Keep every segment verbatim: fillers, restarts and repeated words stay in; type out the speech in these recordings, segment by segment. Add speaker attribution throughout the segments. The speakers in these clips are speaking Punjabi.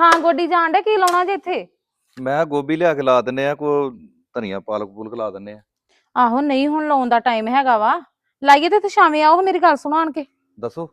Speaker 1: ਥਾਂ ਗੋਡੀ ਜਾਣ ਡੇ, ਕੀ ਲਾਉਣਾ ਜੇ ਇੱਥੇ?
Speaker 2: ਮੈਂ ਗੋਭੀ ਲਿਆ ਕੇ ਲਾ ਦਿੰਨੇ ਆ, ਕੋ ਧਨੀਆ ਪਾਲਕ ਪੂਲਕ ਲਾ ਦਿੰਨੇ ਆ।
Speaker 1: ਆਹੋ ਨਹੀਂ ਹੁਣ ਲਾਉਣ ਦਾ ਟਾਈਮ ਹੈਗਾ ਵਾ, ਲਾਈਏ ਤੇ ਇੱਥੇ ਸ਼ਾਮੇ ਆਓ। ਮੇਰੀ ਗੱਲ ਸੁਣੋ ਆਣ ਕੇ।
Speaker 2: ਦੱਸੋ।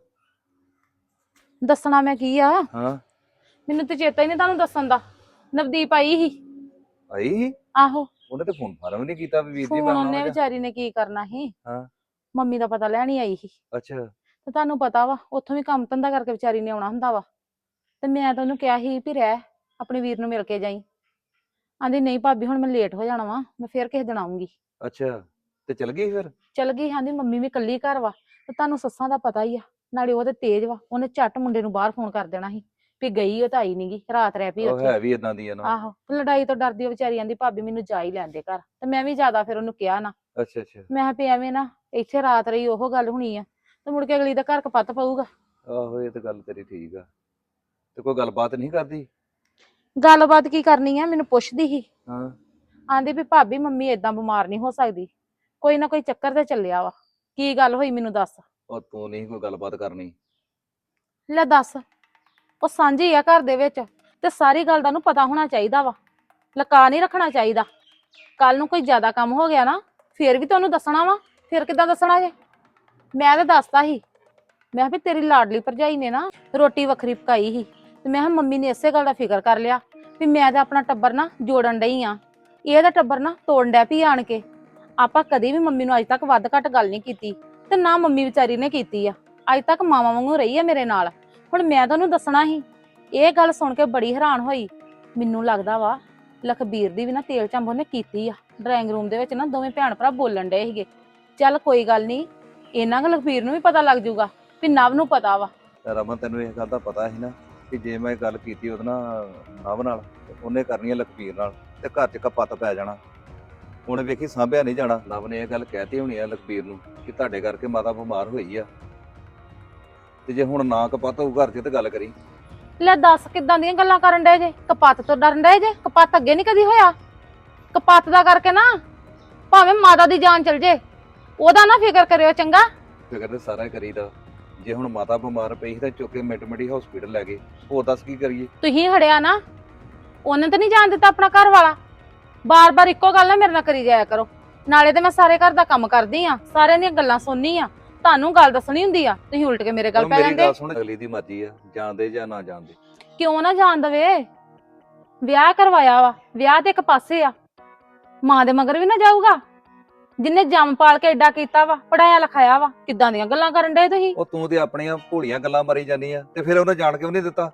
Speaker 1: ਦੱਸਣਾ ਮੈਂ ਕੀ ਆ,
Speaker 2: ਹਾਂ
Speaker 1: ਮੈਨੂੰ ਤੇ ਚੇਤਾ ਹੀ ਨਹੀਂ ਤੁਹਾਨੂੰ ਦੱਸਣ ਦਾ। ਨਵਦੀਪ ਆਈ ਸੀ।
Speaker 2: ਆਈ ਸੀ?
Speaker 1: ਆਹੋ
Speaker 2: ਉਹਨੇ ਤੇ ਫੋਨ ਫਾਰਮ ਨਹੀਂ ਕੀਤਾ ਵੀ ਵੀਰ ਜੀ ਮੈਂ
Speaker 1: ਫੋਨ
Speaker 2: ਆਉਣਾ
Speaker 1: ਉਹਨੇ
Speaker 2: ਵਾ ਜਾਂ।
Speaker 1: ਵਿਚਾਰੀ ਨੇ ਕੀ ਕਰਨਾ ਸੀ,
Speaker 2: ਹਾਂ
Speaker 1: ਮੰਮੀ ਦਾ ਪਤਾ ਲੈਣ ਹੀ ਆਈ ਸੀ।
Speaker 2: ਅੱਛਾ
Speaker 1: ਤੇ ਤੁਹਾਨੂੰ ਪਤਾ ਵਾ ਉੱਥੋਂ ਵੀ ਕੰਮ ਧੰਦਾ ਕਰਕੇ ਵਿਚਾਰੀ ਨੇ ਆਉਣਾ ਹੁੰਦਾ ਵਾ। ਤੇ ਮੈਂ ਤਾਂ ਉਹਨੂੰ ਕਿਹਾ ਸੀ ਵੀ ਰਹਿ, ਆਪਣੇ ਵੀਰ ਨੂੰ ਮਿਲ ਕੇ ਜਾਈ। ਆਂਦੀ ਨਹੀਂ ਭਾਬੀ ਹੁਣ ਮੈਂ ਲੇਟ ਹੋ ਜਾਣਾ ਵਾ, ਮੈਂ ਫੇਰ ਕਿਸੇ ਦਿਨ ਆਉਂਗੀ।
Speaker 2: ਅੱਛਾ ਤੇ ਚਲ ਗਈ ਫਿਰ?
Speaker 1: ਚਲ ਗਈ। ਆਂਦੀ ਮੰਮੀ ਵੀ ਇਕੱਲੀ ਘਰ ਵਾ, ਤੇ ਤੁਹਾਨੂੰ ਸੱਸਾਂ ਦਾ ਪਤਾ ਹੀ ਆ, ਨਾਲੇ ਉਹ ਤੇ ਤੇਜ਼ ਵਾ, ਉਹਨੇ ਝੱਟ ਮੁੰਡੇ ਨੂੰ ਬਾਹਰ ਫੋਨ ਕਰ ਦੇਣਾ ਸੀ ਵੀ ਗਈ ਉਹ ਤਾਂ ਆਈ ਨੀ ਗੀ, ਰਾਤ ਰਹਿ ਪਈ
Speaker 2: ਉਹ
Speaker 1: ਉੱਥੇ।
Speaker 2: ਹੈ ਵੀ ਇਦਾਂ ਦੀ ਆ ਨਾ।
Speaker 1: ਆਹੋ ਲੜਾਈ ਤੋਂ ਡਰਦੀ ਉਹ ਵਿਚਾਰੀ ਆਂਦੀ ਭਾਬੀ ਮੈਨੂੰ ਜਾ ਹੀ ਲੈਣ ਦੇ ਘਰ, ਤੇ ਮੈਂ ਵੀ ਜ਼ਿਆਦਾ ਫਿਰ ਉਹਨੂੰ ਕਿਹਾ ਨਾ।
Speaker 2: ਅੱਛਾ ਅੱਛਾ
Speaker 1: ਮੈਂ ਕਿਹਾ ਵੀ ਐਵੇਂ ਨਾ ਇੱਥੇ ਰਾਤ ਰਹੀ ਉਹ ਗੱਲ ਹੋਣੀ ਆ, ਤੇ ਮੁੜ ਕੇ ਅਗਲੀ ਦਾ ਘਰ ਕਪੱਤ ਪਊਗਾ।
Speaker 2: ਆਹੋ ਇਹ ਤਾਂ ਗੱਲ ਤੇਰੀ ਠੀਕ ਆ। ਤੇ ਕੋਈ ਗੱਲਬਾਤ ਨਹੀਂ ਕਰਦੀ?
Speaker 1: ਗੱਲਬਾਤ ਕੀ ਕਰਨੀ ਆ, ਮੈਨੂੰ ਪੁੱਛਦੀ ਸੀ।
Speaker 2: ਹਾਂ
Speaker 1: ਆਂਦੀ ਵੀ ਭਾਬੀ ਮੰਮੀ ਏਦਾਂ ਬਿਮਾਰ ਨਹੀਂ ਹੋ ਸਕਦੀ, ਕੋਈ ਨਾ ਕੋਈ ਚੱਕਰ ਤੇ ਚੱਲਿਆ ਵਾ। ਕੀ ਗੱਲ ਹੋਈ ਮੈਨੂੰ ਦੱਸ।
Speaker 2: ਉਹ ਤੂੰ ਨਹੀਂ ਕੋਈ ਗੱਲਬਾਤ ਕਰਨੀ?
Speaker 1: ਲੈ ਦੱਸ, ਉਹ ਸਾਂਝੀ ਆ ਘਰ ਦੇ ਵਿੱਚ, ਤੇ ਸਾਰੀ ਗੱਲ ਦਾ ਉਹਨੂੰ ਪਤਾ ਹੋਣਾ ਚਾਹੀਦਾ ਵਾ, ਲੁਕਾ ਨਹੀਂ ਰੱਖਣਾ ਚਾਹੀਦਾ। ਕੱਲ ਨੂੰ ਕੋਈ ਜ਼ਿਆਦਾ ਕੰਮ ਹੋ ਗਿਆ ਨਾ, ਫੇਰ ਵੀ ਤੁਹਾਨੂੰ ਦੱਸਣਾ ਵਾ। ਫੇਰ ਕਿੱਦਾਂ ਦੱਸਣਾ ਜੇ? ਮੈਂ ਤਾਂ ਦੱਸਤਾ ਸੀ, ਮੈਂ ਕਿਹਾ ਵੀ ਤੇਰੀ ਲਾਡਲੀ ਭਰਜਾਈ ਨੇ ਨਾ ਰੋਟੀ ਵੱਖਰੀ ਪਕਾਈ ਸੀ, ਤੇ ਮੈਂ ਕਿਹਾ ਮੰਮੀ ਨੇ ਇਸੇ ਗੱਲ ਦਾ ਫਿਕਰ ਕਰ ਲਿਆ ਵੀ ਮੈਂ ਤਾਂ ਆਪਣਾ ਟੱਬਰ ਨਾ ਜੋੜਨ ਡਈ ਆ, ਇਹਦਾ ਟੱਬਰ ਨਾ ਤੋੜਨ ਡੈ ਪਈ ਆਣ ਕੇ। ਆਪਾਂ ਕਦੀ ਵੀ ਮੰਮੀ ਨੂੰ ਅੱਜ ਤੱਕ ਵੱਧ ਘੱਟ ਗੱਲ ਨਹੀਂ ਕੀਤੀ, ਤੇ ਨਾ ਮੰਮੀ ਵਿਚਾਰੀ ਨੇ ਕੀਤੀ ਆ। ਅੱਜ ਤੱਕ ਮਾਵਾਂ ਵਾਂਗੂ ਰਹੀ ਆ ਮੇਰੇ ਨਾਲ। ਹੁਣ ਮੈਂ ਤੁਹਾਨੂੰ ਦੱਸਣਾ ਸੀ। ਇਹ ਗੱਲ ਸੁਣ ਕੇ ਬੜੀ ਹੈਰਾਨ ਹੋਈ। ਮੈਨੂੰ ਲੱਗਦਾ ਵਾ ਲਖਬੀਰ ਦੀ ਵੀ ਨਾ ਤੇਲ ਚੰਬ ਉਹਨੇ ਕੀਤੀ ਆ। ਡਰਾਇੰਗ ਰੂਮ ਦੇ ਵਿੱਚ ਨਾ ਦੋਵੇਂ ਭੈਣ ਭਰਾ ਬੋਲਣ ਡਏ ਸੀਗੇ। ਚੱਲ ਕੋਈ ਗੱਲ ਨਹੀਂ, ਇਹਨਾਂ ਕੁ ਲਖਬੀਰ ਨੂੰ ਵੀ ਪਤਾ ਲੱਗ ਜਾਊਗਾ ਵੀ ਨਵ ਨੂੰ ਪਤਾ ਵਾ।
Speaker 2: ਰਮਨ ਤੈਨੂੰ ਇਹ ਗੱਲ ਦਾ ਪਤਾ ਸੀ ਨਾ ਕਿ ਜੇ ਮੈਂ ਗੱਲ ਕੀਤੀ ਉਹਦੇ ਨਾਲ ਨਵ ਨਾਲ, ਉਹਨੇ ਕਰਨੀ ਆ ਲਖਬੀਰ ਨਾਲ, ਤੇ ਘਰ 'ਚ ਕਪੱਤ ਪੈ ਜਾਣਾ। ਹੁਣ ਵੇਖੀ ਸਾਂਭਿਆ ਨਹੀਂ ਜਾਣਾ। ਨਵ ਨੇ ਇਹ ਗੱਲ ਕਹਿਤੀ ਹੋਣੀ ਆ ਲਖਬੀਰ ਨੂੰ ਕਿ ਤੁਹਾਡੇ ਕਰਕੇ ਮਾਤਾ ਬਿਮਾਰ ਹੋਈ ਆ, ਤੇ ਜੇ ਹੁਣ ਨਾ ਕਪੱਤ ਹੋਊ ਘਰ 'ਚ ਤੇ ਗੱਲ ਕਰੀ।
Speaker 1: ਲੈ ਦੱਸ ਕਿੱਦਾਂ ਦੀਆਂ ਗੱਲਾਂ ਕਰਨ ਡਏ ਜੇ? ਕਪੱਤ ਤੋਂ ਡਰਨ ਡਏ ਜੇ? ਕਪੱਤ ਅੱਗੇ ਨਹੀਂ ਕਦੀ ਹੋਇਆ। ਕਪੱਤ ਦਾ ਕਰਕੇ ਨਾ ਭਾਵੇਂ ਮਾਤਾ ਦੀ ਜਾਨ ਚਲ ਜੇ, ਉਹਦਾ ਨਾ ਫਿਕਰ ਕਰਿਓ ਚੰਗਾ।
Speaker 2: ਫਿਕਰ ਤੇ ਸਾਰਾ ਹੀ ਕਰੀਦਾ। ਜੇ ਹੁਣ ਮਾਤਾ ਬਿਮਾਰ ਪਈ ਸੀ ਤਾਂ ਚੁੱਕ ਕੇ ਮਿੰਟ ਮਿੰਟੀ ਹਸਪੀਟਲ ਲੈ ਗਏ, ਹੋਰ ਦੱਸ ਕੀ ਕਰੀਏ?
Speaker 1: ਤੁਸੀਂ ਹੜਿਆ ਨਾ, ਉਹਨੇ ਤਾਂ ਨਹੀਂ ਜਾਣ ਦਿੱਤਾ ਆਪਣਾ ਘਰ ਵਾਲਾ। ਬਾਰ-ਬਾਰ ਇੱਕੋ ਗੱਲ ਨਾ ਮੇਰੇ ਨਾਲ ਕਰੀ ਜਾਇਆ ਕਰੋ। ਨਾਲੇ ਤੇ ਮੈਂ ਸਾਰੇ ਘਰ ਦਾ ਕੰਮ ਕਰਦੀ ਆ, ਸਾਰਿਆਂ ਦੀਆਂ ਗੱਲਾਂ ਸੁਣਨੀ ਆ, ਤੁਹਾਨੂੰ ਗੱਲ ਦੱਸਣੀ ਹੁੰਦੀ ਆ, ਤੁਸੀਂ ਉਲਟ ਕੇ ਮੇਰੇ ਗੱਲ
Speaker 2: ਹੁਣ
Speaker 1: ਪੈ
Speaker 2: ਮੇਰੀ
Speaker 1: ਜਾਂਦੇ।
Speaker 2: ਗੱਲ ਸੁਣ, ਅਗਲੀ ਦੀ ਮਰਜ਼ੀ ਆ, ਜਾਣਦੇ ਜਾਂ ਨਾ ਜਾਣਦੇ।
Speaker 1: ਕਿਉਂ ਨਾ ਜਾਣ ਦਵੇ? ਵਿਆਹ ਕਰਵਾਇਆ ਵਾ, ਵਿਆਹ ਤੇ ਇੱਕ ਪਾਸੇ ਆ, ਮਾਂ ਦੇ ਮਗਰ ਵੀ ਨਾ ਜਾਊਗਾ। ਜਿੰਨੇ ਜੰਮ ਪਾਲ ਕੇ ਏਡਾ ਕੀਤਾ ਵਾ, ਪੜਾਇਆ ਲਿਖਾਇਆ ਵਾ, ਕਿੱਦਾਂ ਦੀਆਂ ਗੱਲਾਂ ਕਰਨ ਡਏ ਤੁਸੀਂ?
Speaker 2: ਉਹ ਤੂੰ ਤੇ ਆਪਣੀਆਂ ਭੋਲੀਆਂ ਗੱਲਾਂ ਮਾਰੀ ਜਾਂਦੀ ਆ, ਤੇ ਫਿਰ ਉਹਨੇ ਜਾਣ ਕਿਉਂ ਨਹੀਂ ਦਿੱਤਾ?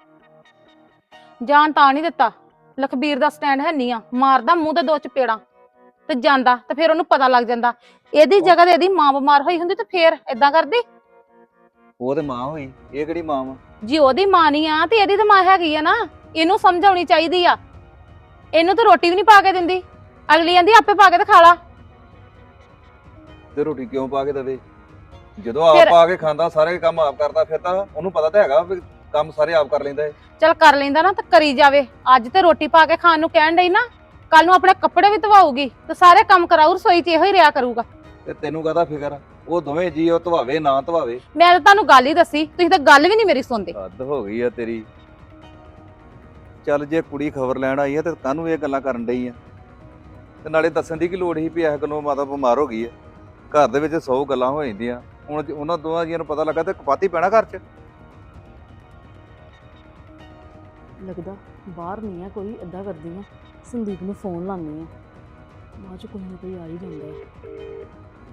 Speaker 1: ਜਾਣ ਤਾਂ ਨਹੀਂ ਦਿੱਤਾ। ਲਖਬੀਰ ਦਾ ਸਟੈਂਡ ਹੈ ਨਹੀਂ ਆ, ਮਾਰਦਾ ਮੂੰਹ ਤੇ ਦੋ ਚਪੇੜਾਂ ਤੇ ਜਾਂਦਾ, ਤੇ ਫਿਰ ਉਹਨੂੰ ਪਤਾ ਲੱਗ ਜਾਂਦਾ। ਇਹਦੀ ਜਗ੍ਹਾ ਤੇ ਇਹਦੀ ਮਾਂ ਬਿਮਾਰ ਹੋਈ ਹੁੰਦੀ ਤੇ ਫੇਰ ਏਦਾਂ ਕਰਦੀ?
Speaker 2: ਉਹ ਤੇ ਮਾਂ ਹੋਈ, ਇਹ ਕਿਹੜੀ ਮਾਂ ਵਾ?
Speaker 1: ਜੀ ਉਹਦੀ ਮਾਂ ਨਹੀਂ ਆ ਤੇ ਇਹਦੀ ਤਾਂ ਮਾਂ ਹੈਗੀ ਆ ਨਾ। ਇਹਨੂੰ ਸਮਝ ਆਉਣੀ ਚਾਹੀਦੀ ਆ। ਇਹਨੂੰ ਤਾਂ ਰੋਟੀ ਵੀ ਨਹੀਂ ਪਾ ਕੇ ਦਿੰਦੀ, ਅਗਲੀ ਕਹਿੰਦੀ ਆਪੇ ਪਾ ਕੇ ਤੇ ਖਾ ਲਾ।
Speaker 2: ਤੇ ਰੋਟੀ ਕਿਉਂ ਪਾ ਕੇ ਦੇਵੇ? ਜਦੋਂ ਆਪ ਪਾ ਕੇ ਖਾਂਦਾ, ਸਾਰੇ ਕੰਮ ਆਪ ਕਰਦਾ, ਫਿਰ ਤਾਂ ਉਹਨੂੰ ਪਤਾ ਤਾਂ ਹੈਗਾ ਵੀ ਕੰਮ ਸਾਰੇ ਆਪ ਕਰ ਲੈਂਦਾ ਹੈ।
Speaker 1: ਚੱਲ ਕਰ ਲੈਂਦਾ ਨਾ ਤਾਂ ਕਰੀ ਜਾਵੇ। ਅੱਜ ਤੇ ਰੋਟੀ ਪਾ ਕੇ ਖਾਣ ਨੂੰ ਕਹਿਣ ਡਈ ਨਾ, ਕੱਲ ਨੂੰ ਆਪਣੇ ਕੱਪੜੇ ਵੀ ਧਵਾਊਗੀ ਤੇ ਸਾਰੇ ਕੰਮ ਕਰਾਊ, ਰਸੋਈ 'ਚ ਇਹੋ ਹੀ ਰਿਹਾ ਕਰੂਗਾ।
Speaker 2: ਤੇ ਤੈਨੂੰ ਕਾਹਦਾ ਫਿਕਰ ਆ? ਉਹ ਦੋਵੇਂ ਜੀ ਉਹ ਧਵਾਵੇ ਨਾ ਧਵਾਵੇ।
Speaker 1: ਮੈਂ ਤਾਂ ਤੁਹਾਨੂੰ ਗੱਲ ਹੀ ਦੱਸੀ, ਤੁਸੀਂ ਤਾਂ ਗੱਲ ਵੀ ਨਹੀਂ ਮੇਰੀ ਸੁਣਦੇ।
Speaker 2: ਹੱਦ ਹੋ ਗਈ ਆ ਤੇਰੀ। ਚੱਲ ਜੇ ਕੁੜੀ ਖਬਰ ਲੈਣ ਆਈ ਆ ਤੇ ਕਾਹਨੂੰ ਇਹ ਗੱਲਾਂ ਕਰਨ ਡਈ ਆ? ਤੇ ਨਾਲੇ ਦੱਸਣ ਦੀ ਕੀ ਲੋੜ ਸੀ ਵੀ ਇਸ ਗੱਲੋਂ ਮਾਤਾ ਬਿਮਾਰ ਹੋ ਗਈ ਆ? ਘਰ ਦੇ ਵਿੱਚ ਸੌ ਗੱਲਾਂ ਹੋ ਜਾਂਦੀਆਂ, ਹੁਣ ਉਹਨਾਂ ਦੋਵਾਂ ਜੀਆਂ ਨੂੰ ਪਤਾ ਲੱਗਾ ਤੇ ਕਪਾਤੀ ਪੈਣਾ ਘਰ 'ਚ।
Speaker 3: ਲੱਗਦਾ ਬਾਹਰ ਨਹੀਂ ਆ ਕੋਈ, ਏਦਾਂ ਕਰਦੀ ਆ ਸੰਦੀਪ ਨੂੰ ਫੋਨ ਲਾਉਂਦੀ ਆ, ਬਾਅਦ 'ਚ ਕੋਈ ਨਾ ਕੋਈ ਆ ਹੀ ਜਾਂਦਾ ਹੈ।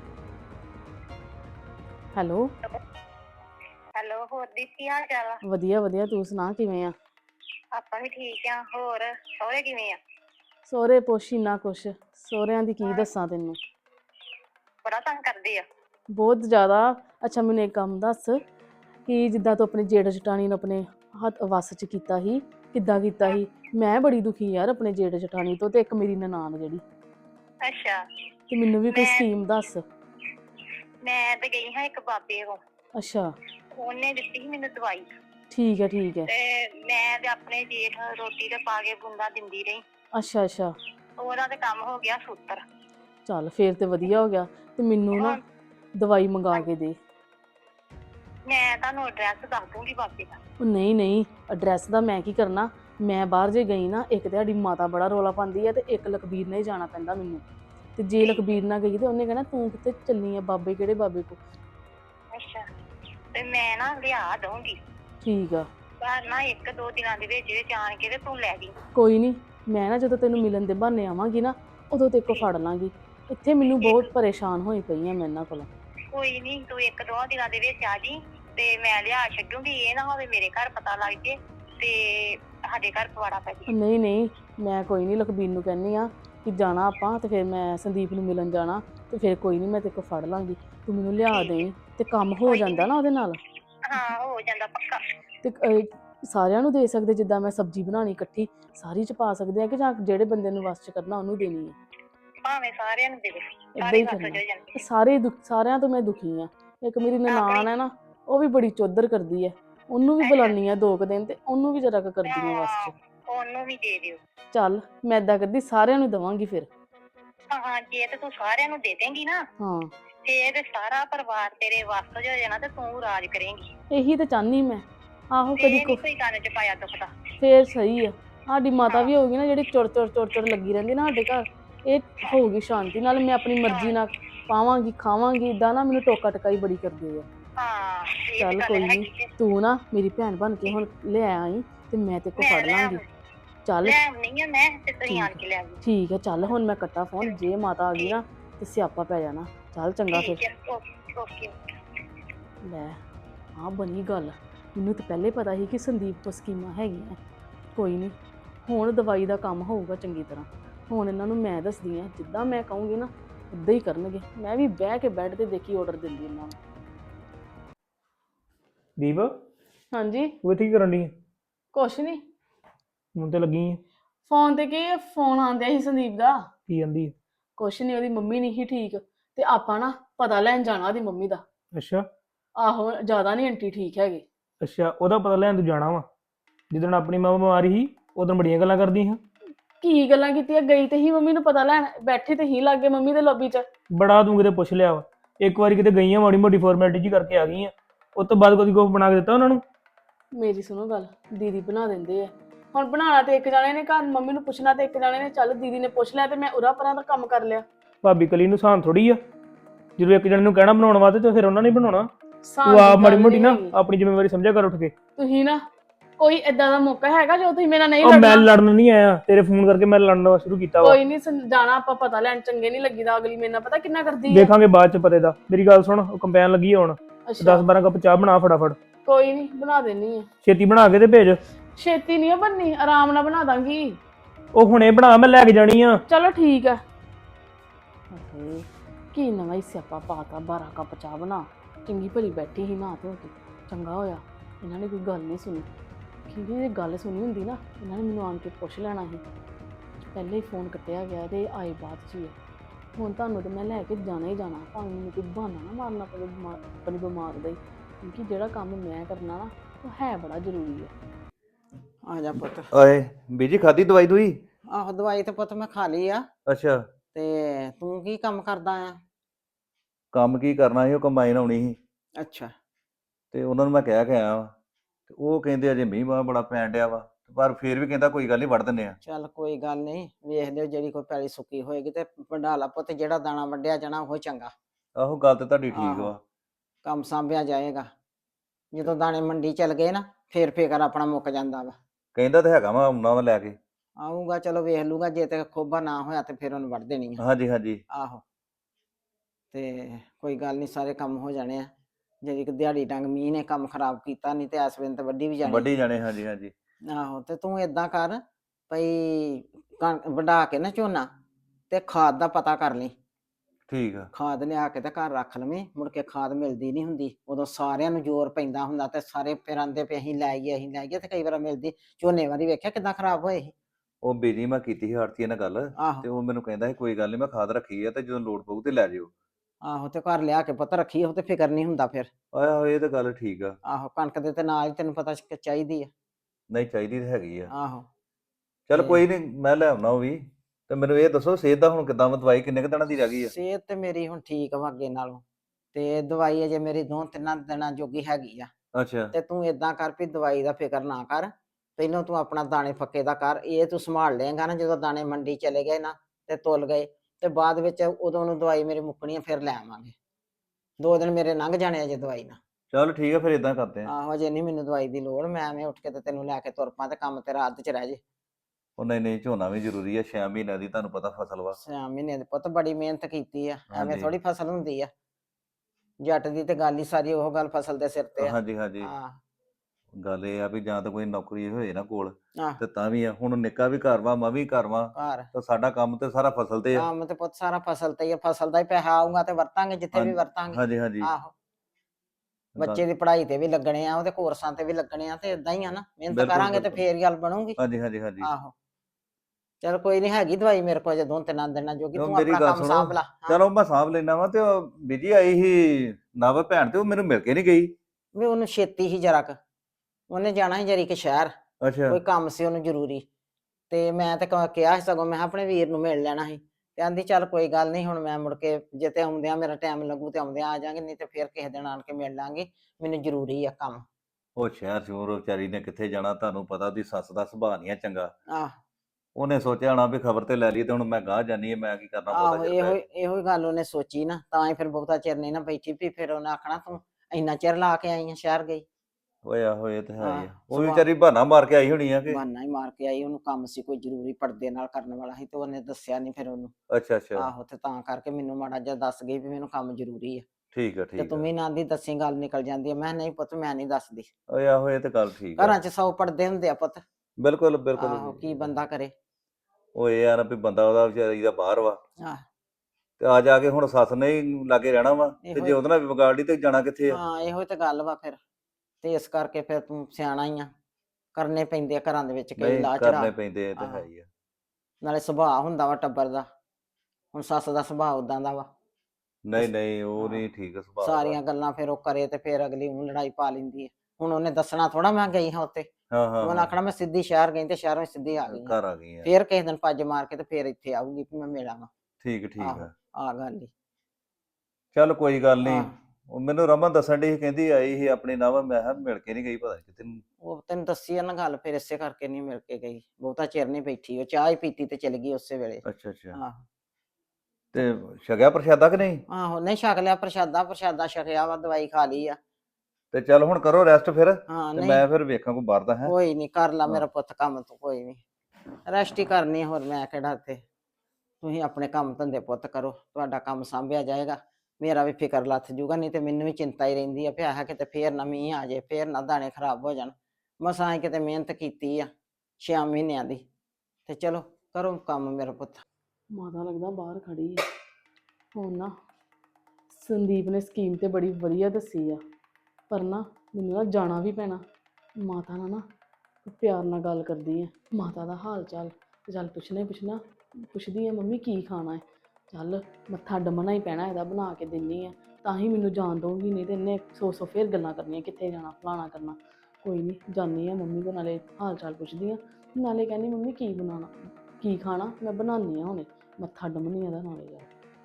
Speaker 3: ਹੈਲੋ
Speaker 4: ਹੈਲੋ, ਹੋਰ ਦੀ ਕੀ ਹਾਲ ਚਾਲ ਆ?
Speaker 3: ਵਧੀਆ ਵਧੀਆ, ਤੂੰ ਸੁਣਾ ਕਿਵੇਂ ਆ?
Speaker 4: ਆਪਾਂ ਵੀ ਠੀਕ ਆ। ਹੋਰ ਸਹੁਰੇ ਕਿਵੇਂ ਆ?
Speaker 3: ਸਹੁਰੇ ਪੁੱਛ ਹੀ ਨਾ ਕੁਛ, ਸਹੁਰਿਆਂ ਦੀ ਕੀ ਦੱਸਾਂ ਤੈਨੂੰ,
Speaker 4: ਬੜਾ ਤੰਗ ਕਰਦੇ ਆ।
Speaker 3: ਬਹੁਤ ਜ਼ਿਆਦਾ। ਅੱਛਾ ਮੈਨੂੰ ਇੱਕ ਕੰਮ ਦੱਸ ਕਿ ਜਿੱਦਾਂ ਤੂੰ ਆਪਣੇ ਜੇਠ ਜਠਾਣੀ ਨੂੰ ਆਪਣੇ ਹੱਥ ਵੱਸ 'ਚ ਕੀਤਾ ਸੀ, ਕਿੱਦਾਂ ਕੀਤਾ ਸੀ? ਮੈਂ ਬੜੀ ਦੁਖੀ ਯਾਰ ਆਪਣੇ ਜੇਠ ਜਠਾਣੀ ਤੋਂ, ਤੇ ਇੱਕ ਮੇਰੀ ਨਨਾਣ ਜਿਹੜੀ,
Speaker 4: ਅੱਛਾ
Speaker 3: ਤੇ ਮੈਨੂੰ ਵੀ ਕੋਈ
Speaker 4: ਮੈਂ-
Speaker 3: ਸਕੀਮ ਦੱਸ।
Speaker 4: ਮੈਂ ਤੇ ਗਈ ਹਾਂ ਇੱਕ ਬਾਬੇ ਕੋਲ,
Speaker 3: ਅੱਛਾ
Speaker 4: ਉਹਨੇ ਦਿੱਤੀ ਸੀ ਮੈਨੂੰ ਦਵਾਈ,
Speaker 3: ਠੀਕ ਹੈ ਠੀਕ ਹੈ।
Speaker 4: ਤੇ ਮੈਂ ਤੇ ਆਪਣੇ ਜੇਠ ਰੋਟੀ ਤੇ ਪਾ ਕੇ ਬੂੰਦਾਂ ਦਿੰਦੀ ਰਹੀ।
Speaker 3: ਅੱਛਾ ਅੱਛਾ
Speaker 4: ਉਹਦਾ ਤੇ ਕੰਮ ਹੋ ਗਿਆ ਸੂਤਰ।
Speaker 3: ਚੱਲ ਫੇਰ ਤੇ ਵਧੀਆ ਹੋ ਗਿਆ। ਤੇ ਮੈਨੂੰ ਨਾ
Speaker 4: ਹੁਣ
Speaker 3: ਦਵਾਈ ਮੰਗਾ ਕੇ ਦੇ।
Speaker 4: ਮੈਂ ਤੁਹਾਨੂੰ ਐਡਰੈਸ ਦੱਸ ਦੂੰਗੀ ਬਾਬੇ ਦਾ।
Speaker 3: ਉਹ ਨਹੀਂ ਨਹੀਂ, ਐਡਰੈਸ ਦਾ ਮੈਂ ਕੀ ਕਰਨਾ, ਮੈਂ ਬਾਹਰ ਜੇ ਗਈ ਨਾ, ਇੱਕ ਤੇ ਸਾਡੀ ਮਾਤਾ ਬੜਾ ਰੋਲਾ ਪਾਉਂਦੀ ਆ ਤੇ ਇੱਕ ਲਖਬੀਰ ਨੇ ਹੀ ਜਾਣਾ ਪੈਂਦਾ ਮੈਨੂੰ। ਤੇ ਜੇ ਲਖਬੀਰ ਨਾ ਗਈ ਤੇ ਉਹਨੇ ਕਹਿਣਾ ਤੂੰ ਕਿੱਥੇ ਚੱਲੀ ਆ, ਬਾਬੇ ਕਿਹੜੇ ਬਾਬੇ ਕੋ।
Speaker 4: ਅੱਛਾ ਤੇ ਮੈਂ ਨਾ ਲਿਆ ਦਊਂਗੀ,
Speaker 3: ਠੀਕ ਆ,
Speaker 4: ਪਰ ਨਾ ਇੱਕ ਦੋ ਦਿਨਾਂ ਦੇ ਵਿੱਚ ਵਿੱਚ ਆਣ ਕੇ ਤੇ ਤੂੰ ਲੈ ਜੀ।
Speaker 3: ਕੋਈ ਨਹੀਂ, ਮੈਂ ਨਾ ਜਦੋਂ ਤੈਨੂੰ ਮਿਲਣ ਦੇ ਬਹਾਨੇ ਆਵਾਂਗੀ ਨਾ ਉਦੋਂ ਤੇ ਕੋ ਫੜ ਲਾਂਗੀ। ਇੱਥੇ ਮੈਨੂੰ ਬਹੁਤ ਪਰੇਸ਼ਾਨ ਹੋਈ ਪਈ ਆ ਮੈਂ ਇਹਨਾਂ ਕੋਲੋਂ।
Speaker 4: ਕੋਈ ਨਹੀਂ, ਤੂੰ ਇੱਕ ਦੋ ਦਿਨਾਂ ਦੇ ਵਿੱਚ ਆ ਜੀ ਤੇ ਮੈਂ ਲਿਆ ਛੱਡੂਗੀ। ਇਹ ਨਾ ਹੋਵੇ ਮੇਰੇ ਘਰ ਪਤਾ ਲੱਗ ਜੇ ਤੇ ਸਾਡੇ ਘਰ ਪਵਾੜਾ ਪੈ ਜੇ।
Speaker 3: ਨਹੀਂ ਨਹੀਂ, ਮੈਂ ਕੋਈ ਨਹੀਂ ਲਖਬੀਰ ਨੂੰ ਕਹਿੰਨੀ ਆ ਕਿ ਜਾਣਾ ਆਪਾਂ, ਤੇ ਫਿਰ ਮੈਂ ਸੰਦੀਪ ਨੂੰ ਮਿਲਣ ਜਾਣਾ, ਤੇ ਫਿਰ ਕੋਈ ਨਹੀਂ ਮੈਂ ਤੇ ਕੋ ਫੜ ਲਾਂਗੀ। ਤੂੰ ਮੈਨੂੰ ਲਿਆ ਦੇਈਂ ਤੇ ਕੰਮ ਹੋ ਜਾਂਦਾ ਨਾ ਉਹਦੇ ਨਾਲ।
Speaker 4: ਹਾਂ ਹੋ ਜਾਂਦਾ ਪੱਕਾ।
Speaker 3: ਤੇ ਅਹ, ਸਾਰਿਆਂ ਨੂੰ ਦੇ ਸਕਦੇ, ਜਿੱਦਾਂ ਮੈਂ ਸਬਜ਼ੀ ਬਣਾਉਣੀ ਇਕੱਠੀ ਸਾਰੀ ਚ ਪਾ ਸਕਦੇ ਆ ਕਿ ਜਾਂ ਜਿਹੜੇ ਬੰਦੇ ਨੂੰ ਵਸ ਚ ਕਰਨਾ ਉਹਨੂੰ ਦੇਣੀ ਹੈ।
Speaker 4: ਭਾਵੇਂ ਸਾਰਿਆਂ ਨੂੰ ਦੇ ਦੇ,
Speaker 3: ਏਦਾਂ
Speaker 4: ਸਾਰੇ
Speaker 3: ਹੀ
Speaker 4: ਵਸ
Speaker 3: ਕਰਨਾ।
Speaker 4: ਜੋ ਜਾਂਦੇ।
Speaker 3: ਸਾਰੇ ਦੁੱਖ ਸਾਰਿਆਂ ਤੋਂ ਮੈਂ ਦੁਖੀ ਆ। ਇੱਕ ਮੇਰੀ ਨਨਾਣ ਹੈ ਨਾ, ਉਹ ਵੀ ਬੜੀ ਚੋਦਰ ਕਰਦੀ ਹੈ, ਉਹਨੂੰ ਵੀ ਬੁਲਾਨੀ ਆ ਦੋ ਕੁ ਦਿਨ ਤੇ ਉਹਨੂੰ ਵੀ ਜਰਾ ਕੁ ਕਰਦੀ ਆ ਵਸ ਚ।
Speaker 4: ਉਹਨੂੰ ਵੀ ਦੇ ਦਿਓ।
Speaker 3: ਚੱਲ ਮੈਂ ਏਦਾਂ ਕਰਦੀ, ਸਾਰਿਆਂ ਨੂੰ ਦਵਾਂਗੀ ਫਿਰ।
Speaker 4: ਹਾਂ ਜੇ ਤੇ ਤੂੰ ਸਾਰਿਆਂ ਨੂੰ ਦੇ ਦੇਂਗੀ ਨਾ
Speaker 3: ਹਾਂ
Speaker 4: ਤੇ ਤੇ ਸਾਰਾ ਪਰਿਵਾਰ ਤੇਰੇ ਵੱਸ ਹੋ ਜਾਣਾ ਤੇ ਤੂੰ ਰਾਜ ਕਰੇਂਗੀ।
Speaker 3: ਇਹੀ ਤਾਂ ਚਾਹਨੀ ਮੈਂ। ਆਹੋ
Speaker 4: ਤੇ
Speaker 3: ਕਦੀ
Speaker 4: ਇਹ
Speaker 3: ਕੋ
Speaker 4: ਨੀ ਕੋਈ ਕੰਨ ਚ ਪਾਇਆ ਦੁਖਦਾ।
Speaker 3: ਫੇਰ ਸਹੀ ਆ। ਸਾਡੀ ਮਾਤਾ ਵੀ ਹੋਊਗੀ ਨਾ ਜਿਹੜੀ ਚੁਰ ਚੁਰ ਚੁਰ ਚੁਰ ਲੱਗੀ ਰਹਿੰਦੀ ਨਾ ਸਾਡੇ ਘਰ, ਇਹ ਹੋਊਗੀ ਸ਼ਾਂਤੀ ਨਾਲ। ਮੈਂ ਆਪਣੀ ਮਰਜ਼ੀ ਨਾਲ ਪਾਵਾਂਗੀ ਖਾਵਾਂਗੀ, ਇਦਾਂ ਨਾ ਮੈਨੂੰ ਟੋਕਾ ਟਕਾਈ ਬੜੀ ਕਰਦੇ ਆ।
Speaker 4: ਹਾਂ ਇਹ ਤੇ
Speaker 3: ਚੱਲ
Speaker 4: ਗੱਲ
Speaker 3: ਕੋਈ ਨਹੀਂ,
Speaker 4: ਹੈਗੀ ਜੇ।
Speaker 3: ਤੂੰ ਨਾ ਮੇਰੀ ਭੈਣ ਬਣ ਕੇ ਹੁਣ ਲੈ ਆਈ ਤੇ ਮੈਂ ਤੇ ਕੋ
Speaker 4: ਮੈਂ
Speaker 3: ਫੜ
Speaker 4: ਲੈ
Speaker 3: ਲਾਂਗੀ।
Speaker 4: ਆਉਂਦੀ।
Speaker 3: ਚੱਲ
Speaker 4: ਲੈ ਆਉਣੀ ਆ ਮੈਂ ਤੇ ਤੁਸੀਂ
Speaker 3: ਠੀਕ
Speaker 4: ਆਣ ਕੇ ਲੈ ਆਇਓ।
Speaker 3: ਠੀਕ ਹੈ, ਚੱਲ ਹੁਣ ਮੈਂ ਕੱਟਾ ਫੋਨ, ਜੇ ਮਾਤਾ ਆ ਗਈ ਨਾ ਤੇ ਸਿਆਪਾ ਪੈ ਜਾਣਾ। ਚੱਲ ਚੰਗਾ ਫਿਰ।
Speaker 4: ਠੀਕ ਹੈ, ਓਕੇ ਓਕੇ।
Speaker 3: ਲੈ ਆ ਬਣੀ ਗੱਲ। ਮੈਨੂੰ ਤਾਂ ਪਹਿਲੇ ਪਤਾ ਸੀ ਕਿ ਸੰਦੀਪ ਕੋਲ ਸਕੀਮਾਂ ਹੈਗੀਆਂ। ਕੋਈ ਨਹੀਂ, ਹੁਣ ਦਵਾਈ ਦਾ ਕੰਮ ਹੋਊਗਾ ਚੰਗੀ ਤਰ੍ਹਾਂ। ਹੁਣ ਇਹਨਾਂ ਨੂੰ ਮੈਂ ਦੱਸਦੀ ਆ, ਜਿੱਦਾਂ ਮੈਂ ਕਹੂੰਗੀ ਨਾ ਉਦਾਂ ਹੀ ਕਰਨਗੇ। ਮੈਂ ਵੀ ਬਹਿ ਕੇ ਬੈੱਡ ਤੇ ਦੇਖੀ ਆਰਡਰ ਦਿੰਦੀ ਇਹਨਾਂ ਨੂੰ।
Speaker 5: ਦੀਪ,
Speaker 3: ਹਾਂਜੀ
Speaker 5: ਉਹ ਇੱਥੇ ਕੀ ਕਰਨ ਡਈ ਆਂ?
Speaker 3: ਕੁਛ ਨਹੀਂ,
Speaker 5: ਹੁਣ ਤੇ ਲੱਗੀ ਆਂ।
Speaker 3: ਫੋਨ ਤੇ ਕੀ ਫੋਨ ਆਂਦਿਆ ਸੀ ਸੰਦੀਪ ਦਾ।
Speaker 5: ਕੀ ਕਹਿੰਦੀ ਆ?
Speaker 3: ਕੁਛ ਨਹੀਂ, ਉਹਦੀ ਮੰਮੀ ਨਹੀਂ ਸੀ ਠੀਕ ਤੇ ਆਪਾਂ ਨਾ ਪਤਾ ਲੈਣ ਜਾਣਾ ਉਹਦੀ ਮੰਮੀ ਦਾ।
Speaker 5: ਅੱਛਾ
Speaker 3: ਆਹੋ, ਜ਼ਿਆਦਾ ਨਹੀਂ ਆਂਟੀ ਠੀਕ ਹੈਗੇ।
Speaker 5: ਅੱਛਾ, ਉਹਦਾ ਪਤਾ ਲੈਣ ਤੂੰ ਜਾਣਾ ਵਾ? ਜਿੱਦਣ ਆਪਣੀ ਮਾਂ ਬਿਮਾਰ ਸੀ ਉਦੋਂ ਬੜੀਆਂ ਗੱਲਾਂ ਕਰਦੀ ਹਾਂ।
Speaker 3: ਕੀ ਗੱਲਾਂ ਕੀਤੀਆਂ? ਗਈ ਤੇ ਹੀ ਮੰਮੀ ਨੂੰ ਪਤਾ ਲੈਣ, ਬੈਠੀ ਤੇ ਹੀ ਲਾਗੇ ਮੰਮੀ ਦੇ ਲੌਬੀ 'ਚ।
Speaker 5: ਬੜਾ ਤੂੰ ਕਿਤੇ ਪੁੱਛ ਲਿਆ ਵਾ। ਇੱਕ ਵਾਰੀ ਕਿਤੇ ਗਈ ਆ, ਮਾੜੀ ਮੋਟੀ ਫਾਰਮੈਲਿਟੀ ਜੀ ਕਰਕੇ ਆ ਗਈ ਆ, ਉਸ ਤੋਂ ਬਾਅਦ ਕਦੀ ਕੁਛ ਬਣਾ ਕੇ ਦਿੱਤਾ ਉਹਨਾਂ ਨੂੰ?
Speaker 3: ਮੇਰੀ ਸੁਣੋ ਗੱਲ, ਦੀਦੀ ਬਣਾ ਦਿੰਦੇ ਆ। ਹੁਣ ਬਣਾਉਣਾ ਤੇ ਇੱਕ ਜਾਣੇ ਨੇ ਘਰ, ਮੰਮੀ ਨੂੰ ਪੁੱਛਣਾ ਤੇ ਇੱਕ ਜਾਣੇ ਨੇ। ਚੱਲ ਦੀਦੀ ਨੇ ਪੁੱਛ ਲਿਆ ਤੇ ਮੈਂ ਉਰਾ ਪਰਾਂ ਦਾ ਕੰਮ ਕਰ ਲਿਆ।
Speaker 5: ਭਾਬੀ ਕਲੀ ਨੂੰ ਸਾਨ ਥੋੜੀ ਆ, ਜਦੋਂ ਇੱਕ ਜਣੇ ਨੂੰ ਕਹਿਣਾ ਬਣਾਉਣ ਵਾਸਤੇ ਤੇ ਫਿਰ ਉਹਨਾਂ ਨੇ ਬਣਾਉਣਾ।
Speaker 3: ਸਾਂਝ
Speaker 5: ਤੂੰ ਆਪ
Speaker 3: ਦੀ
Speaker 5: ਮਾੜੀ
Speaker 3: ਗੱਲ
Speaker 5: ਮੋਟੀ ਨਾ
Speaker 3: ਨਹੀਂ ਹੈਗੀ।
Speaker 5: ਆਪਣੀ ਜ਼ਿੰਮੇਵਾਰੀ ਸਮਝਿਆ ਕਰ ਉੱਠ ਕੇ।
Speaker 3: ਤੁਸੀਂ ਨਾ ਕੋਈ ਏਦਾਂ ਦਾ ਮੌਕਾ ਹੈਗਾ ਜੋ ਤੁਸੀਂ ਮੇਰਾ ਨਹੀਂ
Speaker 5: ਉਹ ਮੈਂ
Speaker 3: ਲੜਨਾ?
Speaker 5: ਲੜਨ ਨਹੀਂ ਆਇਆ, ਤੇਰੇ ਫੋਨ ਕਰਕੇ ਮੈਂ ਲੜਨਾ ਸ਼ੁਰੂ ਕੀਤਾ ਵਾ।
Speaker 3: ਕੋਈ ਨਹੀਂ, ਜਾਣਾ ਆਪਾਂ ਪਤਾ ਲੈਣ। ਚੰਗੇ ਨਹੀਂ ਲੱਗੀਦਾ, ਅਗਲੀ ਮੇਰੇ ਨਾਲ ਪਤਾ ਕਿੰਨਾ ਕਰਦੀ ਹੈ।
Speaker 5: ਦੇਖਾਂਗੇ ਬਾਅਦ ਚ ਪਤੇ ਦਾ। ਮੇਰੀ ਗੱਲ ਸੁਣ, ਉਹ ਕੰਪੈਨ ਲੱਗੀ ਆ ਹੁਣ।
Speaker 3: ਅੱਛਾ
Speaker 5: ਦਸ ਬਾਰਾਂ ਕੱਪ ਚਾਹ ਬਣਾ ਫਟਾਫਟ।
Speaker 3: ਕੋਈ ਨਹੀਂ, ਬਣਾ ਦੇਣੀ ਆ।
Speaker 5: ਛੇਤੀ ਬਣਾ ਕੇ ਤੇ ਭੇਜ।
Speaker 3: ਛੇਤੀ ਨਹੀਂ ਬਣਨੀ, ਆਰਾਮ ਨਾਲ ਬਣਾ ਦਾਂਗੀ।
Speaker 5: ਉਹ ਹੁਣੇ ਬਣਾ, ਮੈਂ ਲੈ ਕੇ ਜਾਣੀ ਆ।
Speaker 3: ਚਲੋ ਠੀਕ ਆ। ਅਹੇ, ਕੀ ਨਵਾਂ ਹੀ ਸਿਆਪਾ ਪਾਤਾ। ਬਾਰਾਂ ਕੱਪ ਚਾਹ ਬਣਾ। ਚੰਗੀ ਭਲੀ ਬੈਠੀ ਸੀ ਨਹਾ ਧੋ ਕੇ। ਚੰਗਾ ਹੋਇਆ ਇਹਨਾਂ ਨੇ ਕੋਈ ਗੱਲ ਨਹੀਂ ਸੁਣੀ, ਕਿਉਂਕਿ ਜੇ ਗੱਲ ਸੁਣੀ ਹੁੰਦੀ ਨਾ ਇਹਨਾਂ ਨੇ ਮੈਨੂੰ ਆਣ ਕੇ ਪੁੱਛ ਲੈਣਾ ਸੀ। ਪਹਿਲੇ ਹੀ ਫੋਨ ਕੱਟਿਆ ਗਿਆ ਤੇ ਆਏ ਬਾਅਦ 'ਚ ਹੀ ਆ। ਹੁਣ ਤੁਹਾਨੂੰ ਤੇ ਮੈਂ ਲੈ ਕੇ ਜਾਣਾ ਹੀ ਜਾਣਾ, ਭਾਵੇਂ ਮੈਨੂੰ ਕੋਈ ਬਹਾਨਾ ਨਾ ਮਾਰਨਾ ਪਵੇ ਬਿਮਾਰ ਆਪਣੀ ਬਿਮਾਰ ਦਾ ਹੀ, ਕਿਉਂਕਿ ਜਿਹੜਾ ਕੰਮ ਮੈਂ ਕਰਨਾ ਨਾ ਉਹ ਹੈ ਬੜਾ ਜ਼ਰੂਰੀ ਹੈ।
Speaker 6: ਆ ਜਾ ਪੁੱਤ।
Speaker 2: ਓਏ ਬੀਜੀ, ਖਾਦੀ ਦਵਾਈ ਦੂਈ?
Speaker 6: ਆਹੋ ਦਵਾਈ ਤੇ ਪੁੱਤ ਮੈਂ ਖਾ ਲਈ ਆ।
Speaker 2: ਅੱਛਾ,
Speaker 6: ਤੇ ਤੂੰ ਕੀ ਕੰਮ ਕਰਦਾ ਆ?
Speaker 2: ਕੰਮ ਕੀ ਕਰਨਾ ਸੀ, ਉਹ ਕੰਬਾਈਨ ਆਉਣੀ ਸੀ
Speaker 6: ਅੱਛਾ
Speaker 2: ਤੇ ਉਹਨਾਂ ਨੂੰ ਮੈਂ ਕਹਿ ਕੇ ਆਇਆ ਵਾ। ਤੇ ਉਹ ਕਹਿੰਦੇ ਅਜੇ ਮੀਂਹ ਮਾ ਬੜਾ ਪੈਣ ਡਿਆ ਵਾ, ਪਰ ਫੇਰ ਵੀ ਕਹਿੰਦਾ ਕੋਈ ਗੱਲ ਨਹੀਂ, ਵੜ ਦਿੰਦੇ ਆ।
Speaker 6: ਚੱਲ ਕੋਈ ਗੱਲ ਨਹੀਂ, ਵੇਖ ਲਿਓ ਜਿਹੜੀ ਕੋਈ ਪੈਲੀ ਸੁੱਕੀ ਹੋਏਗੀ ਤੇ ਵੰਡਾ ਲਾ ਪੁੱਤ। ਜਿਹੜਾ ਦਾਣਾ ਵੰਡਿਆ ਜਾਣਾ ਉਹ ਚੰਗਾ।
Speaker 2: ਆਹੋ, ਗੱਲ ਤੇ ਤੁਹਾਡੀ ਠੀਕ
Speaker 6: ਆਹੋ।
Speaker 2: ਵਾ।
Speaker 6: ਕੰਮ ਸਾਂਭਿਆ ਜਾਏਗਾ। ਜਦੋਂ ਦਾਣੇ ਮੰਡੀ ਚਲ ਗਏ ਨਾ ਫੇਰ ਫਿਕਰ ਆਪਣਾ ਮੁੱਕ ਜਾਂਦਾ ਵਾ।
Speaker 2: ਕਹਿੰਦਾ ਤਾਂ ਹੈਗਾ ਵਾ, ਆਉਣਾ ਵਾ ਲੈ ਕੇ।
Speaker 6: ਆਊਗਾ, ਚਲੋ ਵੇਖ ਲੂਗਾ। ਜੇ ਤੇ ਖੋਬਾ ਨਾ ਹੋਇਆ ਤੇ ਫਿਰ ਉਹਨੂੰ ਵੜ ਦੇਣੀ ਆ।
Speaker 2: ਹਾਂਜੀ ਹਾਂਜੀ।
Speaker 6: ਆਹੋ, ਤੇ ਕੋਈ ਗੱਲ ਨਹੀਂ, ਸਾਰੇ ਕੰਮ ਹੋ ਜਾਣੇ ਆ। ਜਿਹੜੀ ਕਿ ਦਿਹਾੜੀ ਡੰਗ ਮੀਂਹ ਨੇ ਕੰਮ ਖਰਾਬ ਕੀਤਾ, ਨਹੀਂ ਤੇ ਇਸ ਵੇਲੇ ਤੇ ਵੱਢੀ ਵੀ ਜਾਣੀ।
Speaker 2: ਵੱਢੀ ਜਾਣੇ, ਹਾਂਜੀ ਹਾਂਜੀ।
Speaker 6: ਆਹੋ, ਤੇ ਤੂੰ ਏਦਾਂ ਕਰ ਭਈ, ਕਣ ਵਢਾ ਕੇ ਨਾ ਝੋਨਾ ਤੇ ਖਾਦ ਦਾ ਪਤਾ ਕਰ ਲਈ।
Speaker 2: ਠੀਕ ਆ।
Speaker 6: ਖਾਦ ਲਿਆ ਕੇ ਤੇ ਘਰ ਰੱਖ ਲਵੇਂ, ਮੁੜ ਕੇ ਖਾਦ ਮਿਲਦੀ ਨਹੀਂ ਹੁੰਦੀ। ਉਦੋਂ ਸਾਰਿਆਂ ਨੂੰ ਜ਼ੋਰ ਪੈਂਦਾ ਹੁੰਦਾ ਤੇ ਸਾਰੇ ਫਿਰ ਆਂਦੇ ਪਏ ਅਸੀਂ ਲੈ ਆਈਏ ਅਸੀਂ ਲੈ ਆਈਏ, ਤੇ ਕਈ ਵਾਰ ਮਿਲਦੀ। ਝੋਨੇ ਵਾਰੀ ਵੇਖਿਆ ਕਿੱਦਾਂ ਖਰਾਬ ਹੋਏ ਸੀ।
Speaker 2: ਉਹ ਬੀਜੀ, ਮੈਂ ਕੀਤੀ ਸੀ ਆੜਤੀਏ ਨਾਲ ਗੱਲ,
Speaker 6: ਆਹੋ
Speaker 2: ਤੇ ਉਹ ਮੈਨੂੰ ਕਹਿੰਦਾ ਸੀ ਕੋਈ ਗੱਲ ਨਹੀਂ, ਮੈਂ ਖਾਦ ਰੱਖੀ ਆ ਤੇ ਜਦੋਂ ਲੋੜ ਪਊ ਤੇ ਲੈ ਜਿਓ।
Speaker 6: ਆਹੋ, ਤੇ ਘਰ ਲਿਆ ਕੇ ਪੁੱਤ ਰੱਖੀ ਉਹ ਤੇ ਫਿਕਰ ਨਹੀਂ ਹੁੰਦਾ ਫਿਰ।
Speaker 2: ਆਹੋ, ਇਹ ਤਾਂ ਗੱਲ ਠੀਕ ਆ।
Speaker 6: ਆਹੋ, ਕਣਕ ਦੇ ਤੇ ਨਾਲ ਹੀ ਤੈਨੂੰ ਪਤਾ ਚ- ਚਾਹੀਦੀ ਆ।
Speaker 2: ਨਹੀਂ, ਚਾਹੀਦੀ ਤਾਂ ਹੈਗੀ ਆ।
Speaker 6: ਆਹੋ,
Speaker 2: ਚੱਲ
Speaker 6: ਤੇ-
Speaker 2: ਕੋਈ ਨਹੀਂ, ਮੈਂ ਲੈ ਆਉਣਾ ਉਹ ਵੀ। ਤੇ ਮੈਨੂੰ ਇਹ ਦੱਸੋ, ਸਿਹਤ ਦਾ ਹੁਣ ਕਿੱਦਾਂ ਵਾ? ਦਵਾਈ ਕਿੰਨੇ ਕੁ ਦਿਨਾਂ ਦੀ ਰਹਿ ਗਈ ਆ?
Speaker 6: ਸਿਹਤ ਤੇ ਮੇਰੀ ਹੁਣ ਠੀਕ ਵਾ ਅੱਗੇ ਨਾਲੋਂ। ਤੇ ਦਵਾਈ ਅਜੇ ਮੇਰੀ ਦੋ ਤਿੰਨਾਂ ਦਿਨਾਂ ਜੋਗੀ ਹੈਗੀ ਆ।
Speaker 2: ਅੱਛਾ।
Speaker 6: ਤੇ ਤੂੰ ਏਦਾਂ ਕਰ ਵੀ ਦਵਾਈ ਦਾ ਫਿਕਰ ਨਾ ਕਰ, ਪਹਿਲਾਂ ਤੂੰ ਆਪਣਾ ਦਾਣੇ ਫੱਕੇ ਦਾ ਕਰ, ਇਹ ਤੂੰ ਸੰਭਾਲ ਲਏਗਾ ਨਾ, ਜਦੋਂ ਦਾਣੇ ਮੰਡੀ ਚਲੇ ਗਏ ਨਾ ਤੇ ਤੁੱਲ ਗਏ ਤੇ ਬਾਅਦ ਵਿੱਚ ਉਦੋਂ ਨੂੰ ਦਵਾਈ ਮੇਰੀ ਮੁੱਕਣੀ ਆ, ਫਿਰ ਲੈ ਆਵਾਂਗੇ। ਦੋ ਦਿਨ ਮੇਰੇ ਲੰਘ ਜਾਣੇ ਅਜੇ ਦਵਾਈ ਨਾਲ।
Speaker 2: ਚੱਲ ਠੀਕ ਆ, ਫਿਰ ਇਦਾਂ ਕਰਦੇ ਆ।
Speaker 6: ਆਹੋ ਜੇ ਨਹੀਂ ਮੈਨੂੰ ਦਵਾਈ ਦੀ ਲੋੜ, ਮੈਂ ਐਵੇਂ ਉੱਠ ਕੇ ਤੇ ਤੈਨੂੰ ਲੈ ਕੇ ਤੁਰ ਪਾਂ ਤੇ ਕੰਮ ਤੇਰਾ ਅੱਧ ਚ ਰਹਿ ਜੇ।
Speaker 2: ਉਹ ਨਹੀਂ ਨਹੀਂ, ਝੋਨਾ ਵੀ ਜ਼ਰੂਰੀ ਆ, ਛੇ ਮਹੀਨਿਆਂ ਦੀ ਤੁਹਾਨੂੰ ਪਤਾ ਫਸਲ ਵਾ।
Speaker 6: ਛੇ ਮਹੀਨੇ ਦੇ ਪੁੱਤ ਬੜੀ ਮਿਹਨਤ ਕੀਤੀ ਆ, ਐਵੇਂ
Speaker 2: ਹਾਂਜੀ।
Speaker 6: ਥੋੜੀ ਫਸਲ ਹੁੰਦੀ ਆ। ਜੱਟ ਦੀ ਤੇ ਗੱਲ ਹੀ ਸਾਰੀ ਉਹ ਗੱਲ ਫਸਲ ਦੇ ਸਿਰ ਤੇ ਆ।
Speaker 2: ਹਾਂਜੀ ਹਾਂਜੀ,
Speaker 6: ਹਾਂ
Speaker 2: ਗੱਲ ਇਹ ਆ ਵੀ ਜਾਂ ਤਾਂ ਕੋਈ ਨੌਕਰੀ ਹੋਏ ਨਾ ਕੋਲ
Speaker 6: ਆਹ,
Speaker 2: ਤੇ ਤਾਂ ਵੀ ਆ। ਹੁਣ ਨਿੱਕਾ ਵੀ ਘਰ ਵਾ, ਮੈਂ ਵੀ ਘਰ ਵਾ,
Speaker 6: ਘਰ
Speaker 2: ਤਾਂ ਸਾਡਾ ਕੰਮ ਤੇ ਸਾਰਾ ਫਸਲ ਤੇ ਆ।
Speaker 6: ਕੰਮ ਤੇ ਪੁੱਤ ਸਾਰਾ ਫਸਲ ਤੇ ਹੀ ਆ, ਫਸਲ ਦਾ ਹੀ ਪੈਸਾ ਆਊਗਾ ਤੇ ਵਰਤਾਂਗੇ ਜਿੱਥੇ ਵੀ
Speaker 2: ਹਾਂਜੀ,
Speaker 6: ਵਰਤਾਂਗੇ।
Speaker 2: ਹਾਂਜੀ ਹਾਂਜੀ।
Speaker 6: ਆਹੋ ਬੱਚੇ ਦੀ ਪੜ੍ਹਾਈ ਤੇ ਵੀ ਲੱਗਣੇ ਆ, ਉਹਦੇ ਕੋਰਸਾਂ ਤੇ ਵੀ ਲੱਗਣੇ ਆ, ਤੇ ਇਦਾਂ ਹੀ ਆ ਨਾ, ਮਿਹਨਤ
Speaker 2: ਬਿਲਕੁਲ,
Speaker 6: ਕਰਾਂਗੇ ਤੇ
Speaker 2: ਬਿਲਕੁਲ।
Speaker 6: ਫੇਰ ਹੀ ਗੱਲ ਬਣੂਗੀ।
Speaker 2: ਹਾਂਜੀ ਹਾਂਜੀ ਹਾਂਜੀ।
Speaker 6: ਆਹੋ ਚਲ ਕੋਈ ਨਹੀਂ, ਹੈਗੀ ਦਵਾਈ ਮੇਰੇ ਕੋਲ ਜਦੋਂ ਤਿੰਨਾਂ ਦਿਨਾਂ ਜੋਗੀ,
Speaker 2: ਉਹ
Speaker 6: ਤੂੰ
Speaker 2: ਮੇਰੀ
Speaker 6: ਆਪਣਾ
Speaker 2: ਗੱਲ
Speaker 6: ਕੰਮ
Speaker 2: ਸੁਣੋ,
Speaker 6: ਸਾਂਭ ਲਾ। ਹਾਂ।
Speaker 2: ਚਲੋ ਮੈਂ ਸਾਂਭ ਲੈਣਾ ਵਾ। ਤੇ ਉਹ ਬੀਜੀ ਆਈ ਸੀ ਨਵ ਭੈਣ, ਤੇ ਉਹ ਮੈਨੂੰ ਮਿਲ ਕੇ ਨਹੀਂ ਗਈ।
Speaker 6: ਵੀ ਉਹਨੂੰ ਛੇਤੀ ਹੀ ਜਰਾ ਕੁ, ਉਹਨੇ ਜਾਣਾ ਸੀ ਜਰੀ ਕਿ ਸ਼ਹਿਰ,
Speaker 2: ਅੱਛਾ
Speaker 6: ਕੋਈ ਕੰਮ ਸੀ ਉਹਨੂੰ ਜ਼ਰੂਰੀ। ਤੇ ਮੈਂ ਤੇ ਕ- ਕਿਹਾ ਸੀ ਸਗੋਂ, ਮੈਂ ਕਿਹਾ ਆਪਣੇ ਵੀਰ ਨੂੰ ਮਿਲ ਲੈਣਾ ਸੀ। ਤੇ ਆਂਦੀ ਚੱਲ ਕੋਈ ਗੱਲ ਨਹੀਂ, ਹੁਣ ਮੈਂ ਮੁੜ ਕੇ ਜੇ ਤੇ ਆਉਂਦਿਆਂ ਮੇਰਾ ਟਾਈਮ ਲੱਗੂ ਤੇ ਆਉਂਦਿਆਂ ਆ ਜਾਾਂਗੇ, ਨਹੀਂ ਤੇ ਫਿਰ ਕਿਸੇ ਦਿਨ ਆਣ ਕੇ ਮਿਲ ਲਾਂਗੇ, ਮੈਨੂੰ ਜ਼ਰੂਰੀ ਆ ਕੰਮ।
Speaker 2: ਉਹ ਸ਼ਹਿਰ ਸ਼ੂਰ ਵਿਚਾਰੀ ਨੇ ਕਿੱਥੇ ਜਾਣਾ, ਤੁਹਾਨੂੰ ਪਤਾ ਉਹਦੀ ਸੱਸ ਦਾ ਸੁਭਾਅ ਨਹੀਂ ਆ ਚੰਗਾ।
Speaker 6: ਆਹ
Speaker 2: ਉਹਨੇ ਸੋਚਿਆ ਹੋਣਾ ਵੀ ਖਬਰ ਤੇ ਲੈ ਲਈ, ਤੇ ਹੁਣ ਮੈਂ ਗਾਂਹ ਜਾਨੀ ਆ, ਮੈਂ ਕੀ ਕਰਨਾ ਬਹੁਤਾ
Speaker 6: ਆਹੋ
Speaker 2: ਚਿਰ
Speaker 6: ਇਹੋ
Speaker 2: ਬਹਿ
Speaker 6: ਹੀ- ਇਹੋ ਹੀ ਗੱਲ ਉਹਨੇ ਸੋਚੀ ਨਾ, ਤਾਂ ਹੀ ਫਿਰ ਬਹੁਤਾ ਚਿਰ ਨਹੀਂ ਨਾ ਬੈਠੀ। ਵੀ ਫਿਰ ਉਹਨੇ ਆਖਣਾ ਤੂੰ ਇੰਨਾ ਚਿਰ ਲਾ ਕੇ ਆਈ ਆ ਸ਼ਹਿਰ ਗਈ।
Speaker 2: ਓਏ ਆਹੋ, ਇਹ ਤਾਂ ਹੈ ਹੀ ਆ।
Speaker 6: ਆਹ,
Speaker 2: ਉਹ ਵੀ
Speaker 6: ਸੁਭਾਅ-
Speaker 2: ਵਿਚਾਰੀ ਬਹਾਨਾ ਮਾਰ ਕੇ ਆਈ ਹੋਣੀ ਆ ਕਿ।
Speaker 6: ਬਹਾਨਾ ਹੀ ਮਾਰ ਕੇ ਆਈ, ਉਹਨੂੰ ਕੰਮ ਸੀ ਕੋਈ ਜ਼ਰੂਰੀ ਪਰਦੇ ਨਾਲ ਕਰਨ ਵਾਲਾ ਸੀ, ਤੇ ਉਹਨੇ ਦੱਸਿਆ ਨਹੀਂ ਫਿਰ ਉਹਨੂੰ।
Speaker 2: ਅੱਛਾ ਅੱਛਾ,
Speaker 6: ਆਹੋ ਤੇ ਤਾਂ ਕਰਕੇ ਮੈਨੂੰ ਮਾੜਾ ਜਿਹਾ ਦੱਸ ਗਈ ਵੀ ਮੈਨੂੰ ਕੰਮ ਜ਼ਰੂਰੀ ਆ।
Speaker 2: ਠੀਕ ਆ
Speaker 6: ਤੇ
Speaker 2: ਠੀਕ
Speaker 6: ਤੂੰ
Speaker 2: ਆ।
Speaker 6: ਵੀ ਨਾ ਦੀ ਦੱਸੀ, ਗੱਲ ਨਿਕਲ ਜਾਂਦੀ ਆ। ਮੈਂ ਕਿਹਾ ਨਹੀਂ ਪੁੱਤ, ਮੈਂ ਨਹੀਂ ਦੱਸਦੀ।
Speaker 2: ਓਏ ਆਹੋ, ਇਹ ਤਾਂ ਗੱਲ ਠੀਕ ਆ।
Speaker 6: ਘਰਾਂ 'ਚ ਸੌ ਪਰਦੇ ਹੁੰਦੇ ਆ ਪੁੱਤ।
Speaker 2: ਬਿਲਕੁਲ ਬਿਲਕੁਲ।
Speaker 6: ਆਹੋ ਕੀ ਬੰਦਾ ਕਰੇ।
Speaker 2: ਉਹ ਇਹ ਆ ਨਾ ਵੀ ਬੰਦਾ ਉਹਦਾ ਵਿਚਾਰੀ ਦਾ ਬਾਹਰ ਵਾ,
Speaker 6: ਆਹ
Speaker 2: ਤੇ ਆ ਜਾ ਕੇ ਹੁਣ ਸੱਸ ਨੇ ਹੀ ਲਾਗੇ ਰਹਿਣਾ ਵਾ, ਤੇ
Speaker 6: ਇਹੋ
Speaker 2: ਜੇ ਉਹਦੇ ਨਾਲ ਵੀ ਵਿਗਾੜ ਲਈ ਤੇ ਜਾਣਾ ਕਿੱਥੇ ਆ।
Speaker 6: ਹਾਂ ਇਹੋ ਤੇ ਗੱਲ ਵਾ ਫਿਰ। ਤੇ ਇਸ ਕਰਕੇ ਫਿਰ ਤੂੰ ਸਿਆਣਾ ਹੀ ਆ, ਕਰਨੇ ਪੈਂਦੇ ਆ ਘਰਾਂ ਦੇ ਵਿੱਚ ਕਈ
Speaker 2: ਨਹੀਂ
Speaker 6: ਲਾਹ ਚੜਾ।
Speaker 2: ਕਰਨੇ ਪੈਂਦੇ, ਇਹ ਤਾਂ ਹੈ
Speaker 6: ਆਹੋ।
Speaker 2: ਹੀ ਆ।
Speaker 6: ਨਾਲੇ ਸੁਭਾਅ ਹੁੰਦਾ ਵਾ ਟੱਬਰ ਦਾ, ਹੁਣ ਸੱਸ ਦਾ ਸੁਭਾਅ ਉਦਾਂ ਦਾ ਵਾ।
Speaker 2: ਨਹੀਂ ਨਹੀਂ, ਉਹ
Speaker 6: ਹਾਂ।
Speaker 2: ਨਹੀਂ ਠੀਕ ਸੁਭਾਅ ਦਾ।
Speaker 6: ਸਾਰੀਆਂ ਗੱਲਾਂ ਫਿਰ ਉਹ ਕਰੇ ਤੇ ਫਿਰ ਅਗਲੀ ਨੂੰ ਲੜਾਈ ਪਾ ਲੈਂਦੀ ਹੈ। ਹੁਣ ਉਹਨੇ ਦੱਸਣਾ ਥੋੜਾ ਮੈਂ ਗਈ ਹਾਂ ਉੱਥੇ,
Speaker 2: ਹਾਂ ਹਾਂ
Speaker 6: ਉਹਨੇ
Speaker 2: ਹਾਂ,
Speaker 6: ਆਖਣਾ ਮੈਂ ਸਿੱਧੀ ਸ਼ਹਿਰ ਗਈ ਤੇ ਸ਼ਹਿਰੋਂ ਹੀ ਸਿੱਧੀ ਆ ਗਈ ਹਾਂ।
Speaker 2: ਘਰ ਆ ਗਈ ਆ।
Speaker 6: ਫਿਰ ਕਿਸੇ ਦਿਨ ਪੱਜ ਮਾਰ ਕੇ ਤੇ ਫਿਰ ਇੱਥੇ ਆਊਗੀ ਵੀ ਮੈਂ ਮਿਲਾਂਗਾ।
Speaker 2: ਠੀਕ ਠੀਕ
Speaker 6: ਆਹੋ
Speaker 2: ਆ।
Speaker 6: ਆ ਗੱਲ ਹੀ।
Speaker 2: ਚੱਲ ਕੋਈ ਗੱਲ ਨਹੀਂ।
Speaker 6: ਆਹ
Speaker 2: ਉਹ ਮੈਨੂੰ ਰਮਨ ਦੱਸਣ ਡਈ ਸੀ, ਕਹਿੰਦੀ ਆਈ ਸੀ ਆਪਣੀ ਨਵ, ਮੈਂ ਕਿਹਾ ਮਿਲ ਕੇ ਨਹੀਂ ਗਈ, ਪਤਾ ਨੀ ਕਿਤੇ ਨੂੰ।
Speaker 6: ਉਹ ਤੈਨੂੰ ਦੱਸੀ ਆ ਨਾ ਗੱਲ, ਫਿਰ ਇਸੇ ਕਰਕੇ ਨਹੀਂ ਮਿਲ ਕੇ ਗਈ। ਬਹੁਤਾ ਚਿਰ ਨਹੀਂ ਬੈਠੀ, ਉਹ ਚਾਹ ਹੀ ਪੀਤੀ ਤੇ ਚਲ ਗਈ ਉਸੇ ਵੇਲੇ।
Speaker 2: ਅੱਛਾ ਅੱਛਾ,
Speaker 6: ਆਹੋ
Speaker 2: ਤੇ ਛਕਿਆ ਪ੍ਰਸ਼ਾਦਾ ਕਿ ਨਹੀਂ?
Speaker 6: ਆਹੋ ਨਹੀਂ ਛਕ ਲਿਆ ਪ੍ਰਸ਼ਾਦਾ, ਪ੍ਰਸ਼ਾਦਾ ਛਕਿਆ ਵਾ, ਦਵਾਈ ਖਾ ਲਈ ਆ।
Speaker 2: ਤੇ ਚੱਲ ਹੁਣ ਕਰੋ ਰੈਸਟ ਫਿਰ,
Speaker 6: ਹਾਂ
Speaker 2: ਤੇ
Speaker 6: ਨਹੀਂ
Speaker 2: ਮੈਂ ਫਿਰ ਵੇਖਾਂ ਕੋਈ ਬਾਹਰ ਦਾ ਹੈ।
Speaker 6: ਕੋਈ ਨਹੀਂ, ਕਰ ਲਾ
Speaker 2: ਹਾਂ।
Speaker 6: ਮੇਰਾ ਪੁੱਤ ਕੰਮ, ਤੂੰ ਕੋਈ ਨਹੀਂ ਰੈਸਟ ਹੀ ਕਰਨੀ, ਹੋਰ ਮੈਂ ਕਿਹੜਾ ਇੱਥੇ। ਤੁਸੀਂ ਆਪਣੇ ਕੰਮ ਧੰਦੇ ਪੁੱਤ ਕਰੋ, ਤੁਹਾਡਾ ਕੰਮ ਸਾਂਭਿਆ ਜਾਏਗਾ, ਮੇਰਾ ਵੀ ਫਿਕਰ ਲੱਥ ਜੂਗਾ। ਨਹੀਂ ਤੇ ਮੈਨੂੰ ਵੀ ਚਿੰਤਾ ਹੀ ਰਹਿੰਦੀ ਆ, ਪਿਆ ਹੈ ਕਿਤੇ ਫੇਰ ਨਾ ਮੀਂਹ ਆ ਜੇ, ਫੇਰ ਨਾ ਦਾਣੇ ਖਰਾਬ ਹੋ ਜਾਣ। ਮਸਾਂ ਹੀ ਕਿਤੇ ਮਿਹਨਤ ਕੀਤੀ ਆ ਛੇ ਮਹੀਨਿਆਂ ਦੀ, ਤੇ ਚਲੋ ਕਰੋ ਕੰਮ ਮੇਰਾ ਪੁੱਤ।
Speaker 3: ਮਾਤਾ ਲੱਗਦਾ ਬਾਹਰ ਖੜੀ ਹੈ। ਹੁਣ ਨਾ ਸੰਦੀਪ ਨੇ ਸਕੀਮ ਤੇ ਬੜੀ ਵਧੀਆ ਦੱਸੀ ਆ, ਪਰ ਨਾ ਮੈਨੂੰ ਨਾ ਜਾਣਾ ਵੀ ਪੈਣਾ। ਮਾਤਾ ਨਾਲ ਨਾ ਪਿਆਰ ਨਾਲ ਗੱਲ ਕਰਦੀ ਹੈ, ਮਾਤਾ ਦਾ ਹਾਲ ਚਾਲ ਤੇ ਚੱਲ ਪੁੱਛਣਾ ਹੀ ਪੁੱਛਣਾ। ਪੁੱਛਦੀ ਆ ਮੰਮੀ ਕੀ ਖਾਣਾ ਹੈ, ਚੱਲ ਮੱਥਾ ਡੰਮਣਾ ਹੀ ਪੈਣਾ, ਇਹਦਾ ਬਣਾ ਕੇ ਦਿੰਨੀ ਆ ਤਾਂ ਹੀ ਮੈਨੂੰ ਜਾਣ ਦਊਗੀ, ਨਹੀਂ ਤੇ ਇਹਨੇ ਸੌ ਸੌ ਫੇਰ ਗੱਲਾਂ ਕਰਨੀਆਂ, ਕਿੱਥੇ ਜਾਣਾ ਫਲਾਣਾ ਕਰਨਾ। ਕੋਈ ਨਹੀਂ ਜਾਂਦੀ ਆ ਮੰਮੀ ਦੇ, ਨਾਲੇ ਹਾਲ ਚਾਲ ਪੁੱਛਦੀ ਆ, ਨਾਲੇ ਕਹਿੰਦੀ ਮੰਮੀ ਕੀ ਬਣਾਉਣਾ ਕੀ ਖਾਣਾ, ਮੈਂ ਬਣਾਉਂਦੀ ਹਾਂ ਹੁਣੇ, ਮੱਥਾ ਡੰਮਣੀ ਇਹਦਾ ਨਾਲੇ ਯਾਰ।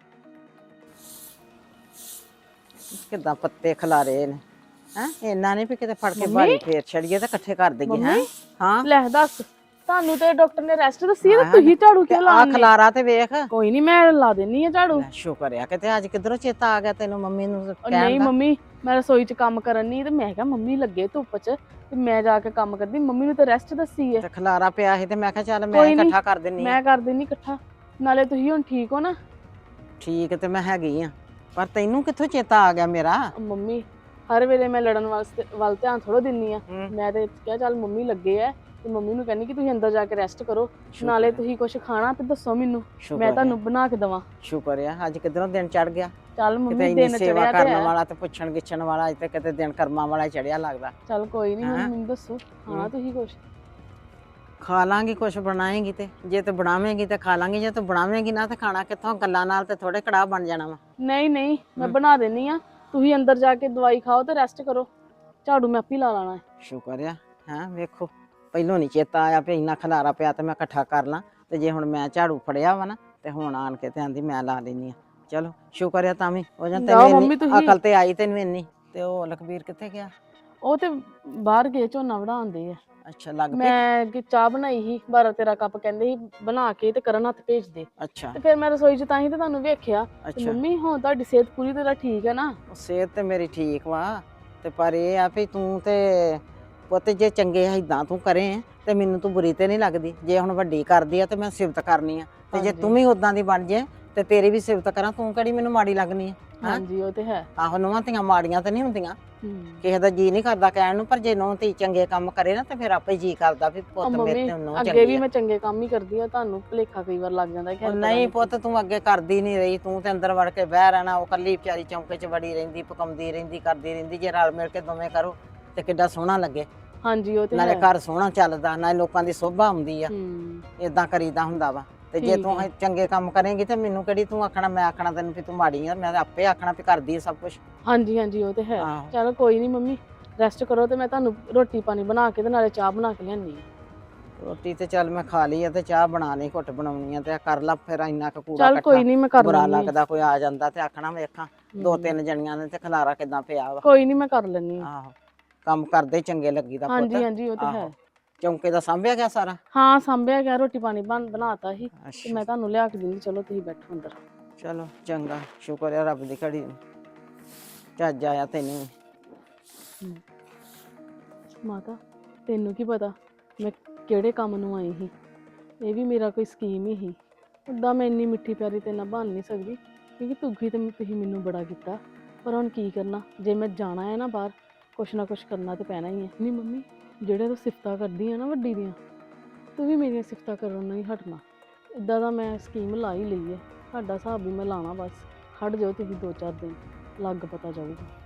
Speaker 6: ਕਿੱਦਾਂ ਪੱਤੇ ਖਿਲਾਰੇ ਨੇ ਹੈ, ਇੰਨਾ ਨਹੀਂ ਵੀ ਕਿਤੇ ਫੜ ਕੇ
Speaker 3: ਮੰਮੀ?
Speaker 6: ਬਾਰੀ ਫੇਰ ਛੜੀਏ ਤੇ ਇਕੱਠੇ ਕਰ ਦਈਏ। ਹੈ
Speaker 3: ਮੰਮੀ?
Speaker 6: ਹਾਂ
Speaker 3: ਲੈ ਦੱਸ, ਤੁਹਾਨੂੰ ਤੇ ਡਾਕਟਰ ਨੇ ਰੈਸਟ ਦੱਸੀ ਹੈ,
Speaker 6: ਹਾਂ,
Speaker 3: ਤੇ ਤੁਸੀਂ ਝਾੜੂ
Speaker 6: ਤੇ
Speaker 3: ਕਿਉਂ
Speaker 6: ਆ
Speaker 3: ਲਾਉਂਦੇ?
Speaker 6: ਖਲਾਰਾ ਤੇ ਵੇਖ।
Speaker 3: ਕੋਈ ਨਹੀਂ ਮੈਂ ਲਾ ਦੇਣੀ ਆ ਝਾੜੂ।
Speaker 6: ਲੈ ਸ਼ੁਕਰ ਆ ਕਿਤੇ ਅੱਜ ਕਿੱਧਰੋਂ ਚੇਤਾ ਆ ਗਿਆ ਤੈਨੂੰ ਮੰਮੀ ਨੂੰ
Speaker 3: ਉਹ
Speaker 6: ਕਹਿਣ
Speaker 3: ਨਹੀਂ
Speaker 6: ਦਾ।
Speaker 3: ਮੰਮੀ, ਮੈਂ ਰਸੋਈ 'ਚ ਕੰਮ ਕਰਨ ਨਹੀਂ, ਤੇ ਮੈਂ ਕਿਹਾ ਮੰਮੀ ਲੱਗੇ ਧੁੱਪ 'ਚ ਤੇ ਮੈਂ ਜਾ ਕੇ ਕੰਮ ਕਰਦੀ, ਮੰਮੀ ਨੂੰ ਤਾਂ ਰੈਸਟ ਦੱਸੀ ਹੈ।
Speaker 6: ਤੇ ਖਲਾਰਾ ਪਿਆ ਸੀ ਤੇ ਮੈਂ ਕਿਹਾ ਚੱਲ ਮੈਂ
Speaker 3: ਕੋਈ ਨੀ,
Speaker 6: ਇਕੱਠਾ ਕਰ ਦਿੰਨੀ ਆ।
Speaker 3: ਮੈਂ ਕਰ ਦੇਣੀ ਇਕੱਠਾ, ਨਾਲੇ ਤੁਸੀਂ ਹੁਣ ਠੀਕ ਹੋ ਨਾ?
Speaker 6: ਠੀਕ ਤੇ ਮੈਂ ਹੈਗੀ ਆ, ਪਰ ਤੈਨੂੰ ਕਿੱਥੋਂ ਚੇਤਾ ਆ ਗਿਆ ਮੇਰਾ?
Speaker 3: ਮੰਮੀ ਹਰ ਵੇਲੇ ਮੈਂ ਲੜਨ ਵਾਸਤੇ ਵੱਲ ਧਿਆਨ ਥੋੜ੍ਹਾ ਦਿੰਨੀ ਆ।
Speaker 6: ਹੂੰ।
Speaker 3: ਮੈਂ ਤੇ ਕਿਹਾ ਚੱਲ ਮੰਮੀ ਲੱਗੇ ਆ, ਤੇ ਮੰਮੀ ਨੂੰ ਕਹਿੰਦੀ ਕਿ ਤੁਸੀਂ ਅੰਦਰ ਜਾ ਕੇ ਰੈਸਟ ਕਰੋ,
Speaker 6: ਸ਼ੁਕਰ
Speaker 3: ਨਾਲੇ
Speaker 6: ਆ,
Speaker 3: ਤੁਸੀਂ ਕੁਝ ਖਾਣਾ ਤੇ ਦੱਸੋ ਮੈਨੂੰ,
Speaker 6: ਸ਼ੁਕਰ
Speaker 3: ਮੈਂ
Speaker 6: ਆ,
Speaker 3: ਤੁਹਾਨੂੰ ਬਣਾ ਕੇ ਦੇਵਾਂ।
Speaker 6: ਸ਼ੁਕਰ ਆ ਅੱਜ ਕਿੱਧਰੋਂ ਦਿਨ ਚੜ ਗਿਆ।
Speaker 3: ਚੱਲ
Speaker 6: ਕਿਤੇ
Speaker 3: ਮੰਮੀ
Speaker 6: ਇੰਨੀ
Speaker 3: ਦਿਨ
Speaker 6: ਸੇਵਾ
Speaker 3: ਚੜਿਆ ਤੇ
Speaker 6: ਕਰਨ
Speaker 3: ਹੈ।
Speaker 6: ਵਾਲਾ ਤੇ ਪੁੱਛਣ ਗਿੱਛਣ ਵਾਲਾ, ਅੱਜ ਤੇ ਕਿਤੇ ਦਿਨ ਕਰਮਾਂ ਵਾਲਾ ਚੜਿਆ ਲੱਗਦਾ।
Speaker 3: ਚੱਲ ਕੋਈ ਨਹੀਂ, ਹੁਣ
Speaker 6: ਹੈਂ?
Speaker 3: ਮੈਨੂੰ ਦੱਸੋ ਖਾਣਾ
Speaker 6: ਹੂੰ।
Speaker 3: ਤੁਸੀਂ ਕੁਝ?
Speaker 6: ਖਾ ਲਾਂਗੀ ਕੁਛ ਬਣਾਏਗੀ ਤੇ, ਜੇ ਤੇ ਬਣਾਵੇਂਗੀ ਤੇ ਖਾ ਲਾਂਗੀ, ਜੇ ਤੂੰ ਬਣਾਵੇਂਗੀ ਨਾ ਤੇ ਖਾਣਾ ਕਿੱਥੋਂ, ਗੱਲਾਂ ਨਾਲ ਤੇ ਥੋੜੇ ਕੜਾਹ ਬਣ ਜਾਣਾ ਵਾ।
Speaker 3: ਨਹੀਂ ਨਹੀਂ, ਮੈਂ
Speaker 6: ਹੂੰ।
Speaker 3: ਬਣਾ ਦੇਣੀ ਆ, ਤੁਸੀਂ ਅੰਦਰ ਜਾ ਕੇ ਦਵਾਈ ਖਾਓ ਤੇ ਰੈਸਟ ਕਰੋ, ਝਾੜੂ ਮੈਂ ਆਪੇ ਲਾ ਲੈਣਾ ਹੈ।
Speaker 6: ਸ਼ੁਕਰ ਆ ਹੈਂ, ਵੇਖੋ ਪਹਿਲੋਂ ਨਹੀਂ ਚੇਤਾ ਆਇਆ ਵੀ ਇੰਨਾ ਖਲਾਰਾ ਪਿਆ ਤੇ ਮੈਂ ਇਕੱਠਾ ਕਰ ਲਾਂ, ਤੇ ਜੇ ਹੁਣ ਮੈਂ ਝਾੜੂ ਫੜਿਆ ਵਾ ਨਾ ਤੇ ਹੁਣ ਆਣ ਕੇ ਤੇ ਆਂਦੀ ਮੈਂ ਲਾ ਲੈਣੀ ਆ। ਚਲੋ ਸ਼ੁਕਰ ਆ ਤਾਂ ਵੀ ਉਹ ਜਾਂ
Speaker 3: ਜਾਓ
Speaker 6: ਤੈਨੂੰ
Speaker 3: ਮੰਮੀ
Speaker 6: ਇੰਨੀ
Speaker 3: ਤੁਸੀਂ।
Speaker 6: ਅਕਲ ਤੇ ਆਈ ਤੈਨੂੰ ਇੰਨੀ। ਤੇ ਉਹ ਲਖਬੀਰ ਕਿੱਥੇ ਗਿਆ?
Speaker 3: ਉਹ ਤੇ ਬਾਹਰ ਗਏ ਝੋਨਾ ਵਢਾਉਂਦੇ ਆ।
Speaker 6: ਅੱਛਾ ਲੱਗ ਪਈ
Speaker 3: ਮੈਂ ਕਿ ਚਾਹ ਬਣਾਈ ਸੀ ਬਾਰਾਂ ਤੇਰਾਂ ਕੱਪ ਕਹਿੰਦੇ ਸੀ ਬਣਾ ਕੇ ਤੇ ਕਰਨ ਹੱਥ ਭੇਜ ਦੇ।
Speaker 6: ਅੱਛਾ
Speaker 3: ਤੇ ਫਿਰ ਮੈਂ ਰਸੋਈ 'ਚ ਤਾਂ ਹੀ ਤੇ ਤੁਹਾਨੂੰ ਵੇਖਿਆ ਤੇ
Speaker 6: ਅੱਛਾ
Speaker 3: ਮੰਮੀ ਹੁਣ ਤੁਹਾਡੀ ਸਿਹਤ ਪੂਰੀ ਤਰ੍ਹਾਂ ਠੀਕ ਹੈ ਨਾ?
Speaker 6: ਉਹ ਸਿਹਤ ਤੇ ਮੇਰੀ ਠੀਕ ਵਾ ਤੇ ਪਰ ਇਹ ਆ ਵੀ ਤੂੰ ਤੇ ਪੁੱਤ ਜੇ ਚੰਗੇ ਏਦਾਂ ਤੂੰ ਕਰੇ ਤੇ ਮੈਨੂੰ ਤੂੰ ਬੁਰੀ ਤੇ ਨਹੀਂ ਲੱਗਦੀ। ਜੇ ਹੁਣ ਵੱਡੀ ਕਰਦੀ ਆ ਤੇ ਮੈਂ ਸਿਫਤ ਕਰਨੀ ਆ ਤੇ ਜੇ
Speaker 3: ਹਾਂਜੀ।
Speaker 6: ਤੂੰ ਵੀ ਉਦਾਂ ਦੀ ਬਣ ਜੇ ਤੇ ਤੇਰੀ ਵੀ ਸਿਫਤ ਕਰਾਂ, ਤੂੰ ਕਿਹੜੀ ਮੈਨੂੰ ਮਾੜੀ ਲੱਗਣੀ ਆ? ਹੈਂ?
Speaker 3: ਹਾਂਜੀ ਉਹ ਤੇ ਹੈ।
Speaker 6: ਆਹੋ ਨੂੰਹਾਂ ਧੀਆਂ ਮਾੜੀਆਂ ਤੇ ਨਹੀਂ ਹੁੰਦੀਆਂ,
Speaker 3: ਹੂੰ।
Speaker 6: ਕਿਸੇ ਦਾ ਜੀ ਨਹੀਂ ਕਰਦਾ ਕਹਿਣ ਨੂੰ, ਪਰ ਜੇ ਨੂੰਹ ਧੀ ਚੰਗੇ ਕੰਮ ਕਰੇ ਨਾ ਤੇ ਫਿਰ ਆਪੇ ਜੀ ਕਰਦਾ ਵੀ
Speaker 3: ਉਹ
Speaker 6: ਪੁੱਤ ਮੇਰੇ
Speaker 3: ਮੰਮੀ
Speaker 6: ਤੇ ਨੂੰਹ
Speaker 3: ਅੱਗੇ
Speaker 6: ਚੰਗੀ
Speaker 3: ਵੀ
Speaker 6: ਆ।
Speaker 3: ਮੈਂ ਚੰਗੇ ਕੰਮ ਹੀ ਕਰਦੀ ਆ, ਤੁਹਾਨੂੰ ਭੁਲੇਖਾ ਕਈ ਵਾਰ ਲੱਗ ਜਾਂਦਾ ਕਿ
Speaker 6: ਉਹ
Speaker 3: ਹਾਲੇ ਪਤਾ
Speaker 6: ਨਹੀਂ
Speaker 3: ਕੀ-
Speaker 6: ਪੁੱਤ ਤੂੰ ਅੱਗੇ ਕਰਦੀ ਨਹੀਂ ਰਹੀ, ਤੂੰ ਤੇ ਅੰਦਰ ਵੜ ਕੇ ਬਹਿ ਰਹਿਣਾ, ਉਹ ਕੱਲੀ ਵਿਚਾਰੀ ਚੌਂਕੇ 'ਚ ਵੜੀ ਰਹਿੰਦੀ, ਪਕਾਉਂਦੀ ਰਹਿੰਦੀ, ਕਰਦੀ ਰਹਿੰਦੀ। ਜੇ ਰਲ ਮਿਲ ਕੇ ਦੋਵੇਂ ਕਰੋ ਤੇ ਕਿੱਡਾ ਸੋਹਣਾ ਲੱਗੇ,
Speaker 3: ਹਾਂਜੀ ਉਹ ਤੇ
Speaker 6: ਨਾਲੇ
Speaker 3: ਹੈ।
Speaker 6: ਘਰ ਸੋਹਣਾ ਚੱਲਦਾ, ਨਾਲੇ ਲੋਕਾਂ ਦੀ ਸੋਭਾ ਆਉਂਦੀ ਆ।
Speaker 3: ਹੂੰ।
Speaker 6: ਇਦਾਂ ਕਰੀਦਾ ਹੁੰਦਾ ਵਾ। ਤੇ ਜੇ
Speaker 3: ਠੀਕ
Speaker 6: ਤੂੰ
Speaker 3: ਹੈ।
Speaker 6: ਇਹ ਚੰਗੇ ਕੰਮ ਕਰੇਂਗੀ ਤੇ ਮੈਨੂੰ ਕਿਹੜੀ ਤੂੰ ਆਖਣਾ, ਮੈਂ ਆਖਣਾ ਤੈਨੂੰ ਵੀ ਤੂੰ ਮਾੜੀ ਆ, ਮੈਂ ਤਾਂ ਆਪੇ ਆਖਣਾ ਵੀ ਕਰਦੀ ਆ ਸਭ ਕੁਝ।
Speaker 3: ਹਾਂਜੀ ਹਾਂਜੀ ਉਹ ਤੇ ਹੈ।
Speaker 6: ਆਹੋ
Speaker 3: ਚਲੋ ਕੋਈ ਨਹੀਂ ਮੰਮੀ, ਰੈਸਟ ਕਰੋ ਤੇ ਮੈਂ ਤੁਹਾਨੂੰ ਰੋਟੀ ਪਾਣੀ ਬਣਾ ਕੇ ਤੇ ਨਾਲੇ ਚਾਹ ਬਣਾ ਕੇ ਲਿਆਨੀ ਆ।
Speaker 6: ਰੋਟੀ ਤੇ ਚੱਲ ਮੈਂ ਖਾ ਲਈ ਆ ਤੇ ਚਾਹ ਬਣਾ ਲਈ, ਘੁੱਟ ਬਣਾਉਣੀ ਆ ਤੇ ਕਰ ਲਾ ਫਿਰ ਇੰਨਾ ਕੁ ਕੂੜਾ
Speaker 3: ਚੱਲ ਕੋਈ ਨਹੀਂ ਮੈਂ ਕਰ
Speaker 6: ਬੁਰਾ
Speaker 3: ਲੈਂਦੀ ਆ।
Speaker 6: ਲੱਗਦਾ ਕੋਈ ਆ ਜਾਂਦਾ ਤੇ ਆਖਣਾ ਵੇਖਾਂ ਦੋ ਤਿੰਨ ਜਣੀਆਂ ਨੇ ਤੇ ਖਲਾਰਾ ਕਿਦਾਂ ਪਿਆ ਵਾ।
Speaker 3: ਕੋਈ ਨਹੀਂ ਮੈਂ ਕਰ ਲੈਂਦੀ ਆ।
Speaker 6: ਆਹੋ ਕੰਮ ਕਰਦੇ ਚੰਗੇ ਲੱਗੀਦਾ ਪੁੱਤ।
Speaker 3: ਹਾਂਜੀ ਹਾਂਜੀ ਉਹ ਤੇ ਹੈ।
Speaker 6: ਆਹੋ ਚੌਂਕੇ ਦਾ ਸਾਂਭਿਆ ਗਿਆ ਸਾਰਾ?
Speaker 3: ਹਾਂ ਸਾਂਭਿਆ ਗਿਆ, ਰੋਟੀ ਪਾਣੀ ਬਣ ਬਣਾਤਾ ਸੀ ਤੇ
Speaker 6: ਅੱਛਾ
Speaker 3: ਮੈਂ ਤੁਹਾਨੂੰ ਲਿਆ ਕੇ ਦਿੰਦੀ। ਚਲੋ ਤੁਸੀਂ ਬੈਠੋ ਅੰਦਰ।
Speaker 6: ਚਲੋ ਚੰਗਾ, ਸ਼ੁਕਰ ਹੈ ਰੱਬ ਦੀ ਘੜੀ ਨੂੰ ਚੱਜ ਆਇਆ ਤੈਨੂੰ ਵੀ।
Speaker 3: ਮਾਤਾ ਤੈਨੂੰ ਕੀ ਪਤਾ ਮੈਂ ਕਿਹੜੇ ਕੰਮ ਨੂੰ ਆਈ ਸੀ? ਇਹ ਵੀ ਮੇਰਾ ਕੋਈ ਸਕੀਮ ਹੀ ਸੀ। ਉੱਦਾਂ ਮੈਂ ਇੰਨੀ ਮਿੱਠੀ ਪਿਆਰੀ ਤੇ ਨਾ ਬਣ ਨਹੀਂ ਸਕਦੀ ਕਿਉਂਕਿ ਦੁਖੀ ਤੇ ਤੁਸੀਂ ਮੈਨੂੰ ਬੜਾ ਕੀਤਾ, ਪਰ ਹੁਣ ਕੀ ਕਰਨਾ, ਜੇ ਮੈਂ ਜਾਣਾ ਹੈ ਨਾ ਬਾਹਰ, ਕੁਛ ਨਾ ਕੁਛ ਕਰਨਾ ਤੇ ਪੈਣਾ ਹੀ ਹੈ। ਨਹੀਂ ਮੰਮੀ, ਜਿਹੜੇ ਤੂੰ ਸਿਫਤਾਂ ਕਰਦੀ ਆ ਨਾ ਵੱਡੀ ਦੀਆਂ, ਤੂੰ ਵੀ ਮੇਰੀਆਂ ਸਿਫਤਾਂ ਕਰਨ ਨਹੀਂ ਹਟਣਾ। ਇੱਦਾਂ ਦਾ ਮੈਂ ਸਕੀਮ ਲਾ ਹੀ ਲਈ ਹੈ, ਤੁਹਾਡਾ ਹਿਸਾਬ ਵੀ ਮੈਂ ਲਾਣਾ। ਬਸ ਖੜ ਜਾਓ ਤੁਸੀਂ ਦੋ ਚਾਰ ਦਿਨ, ਲੱਗ ਪਤਾ ਜਾਊਗਾ।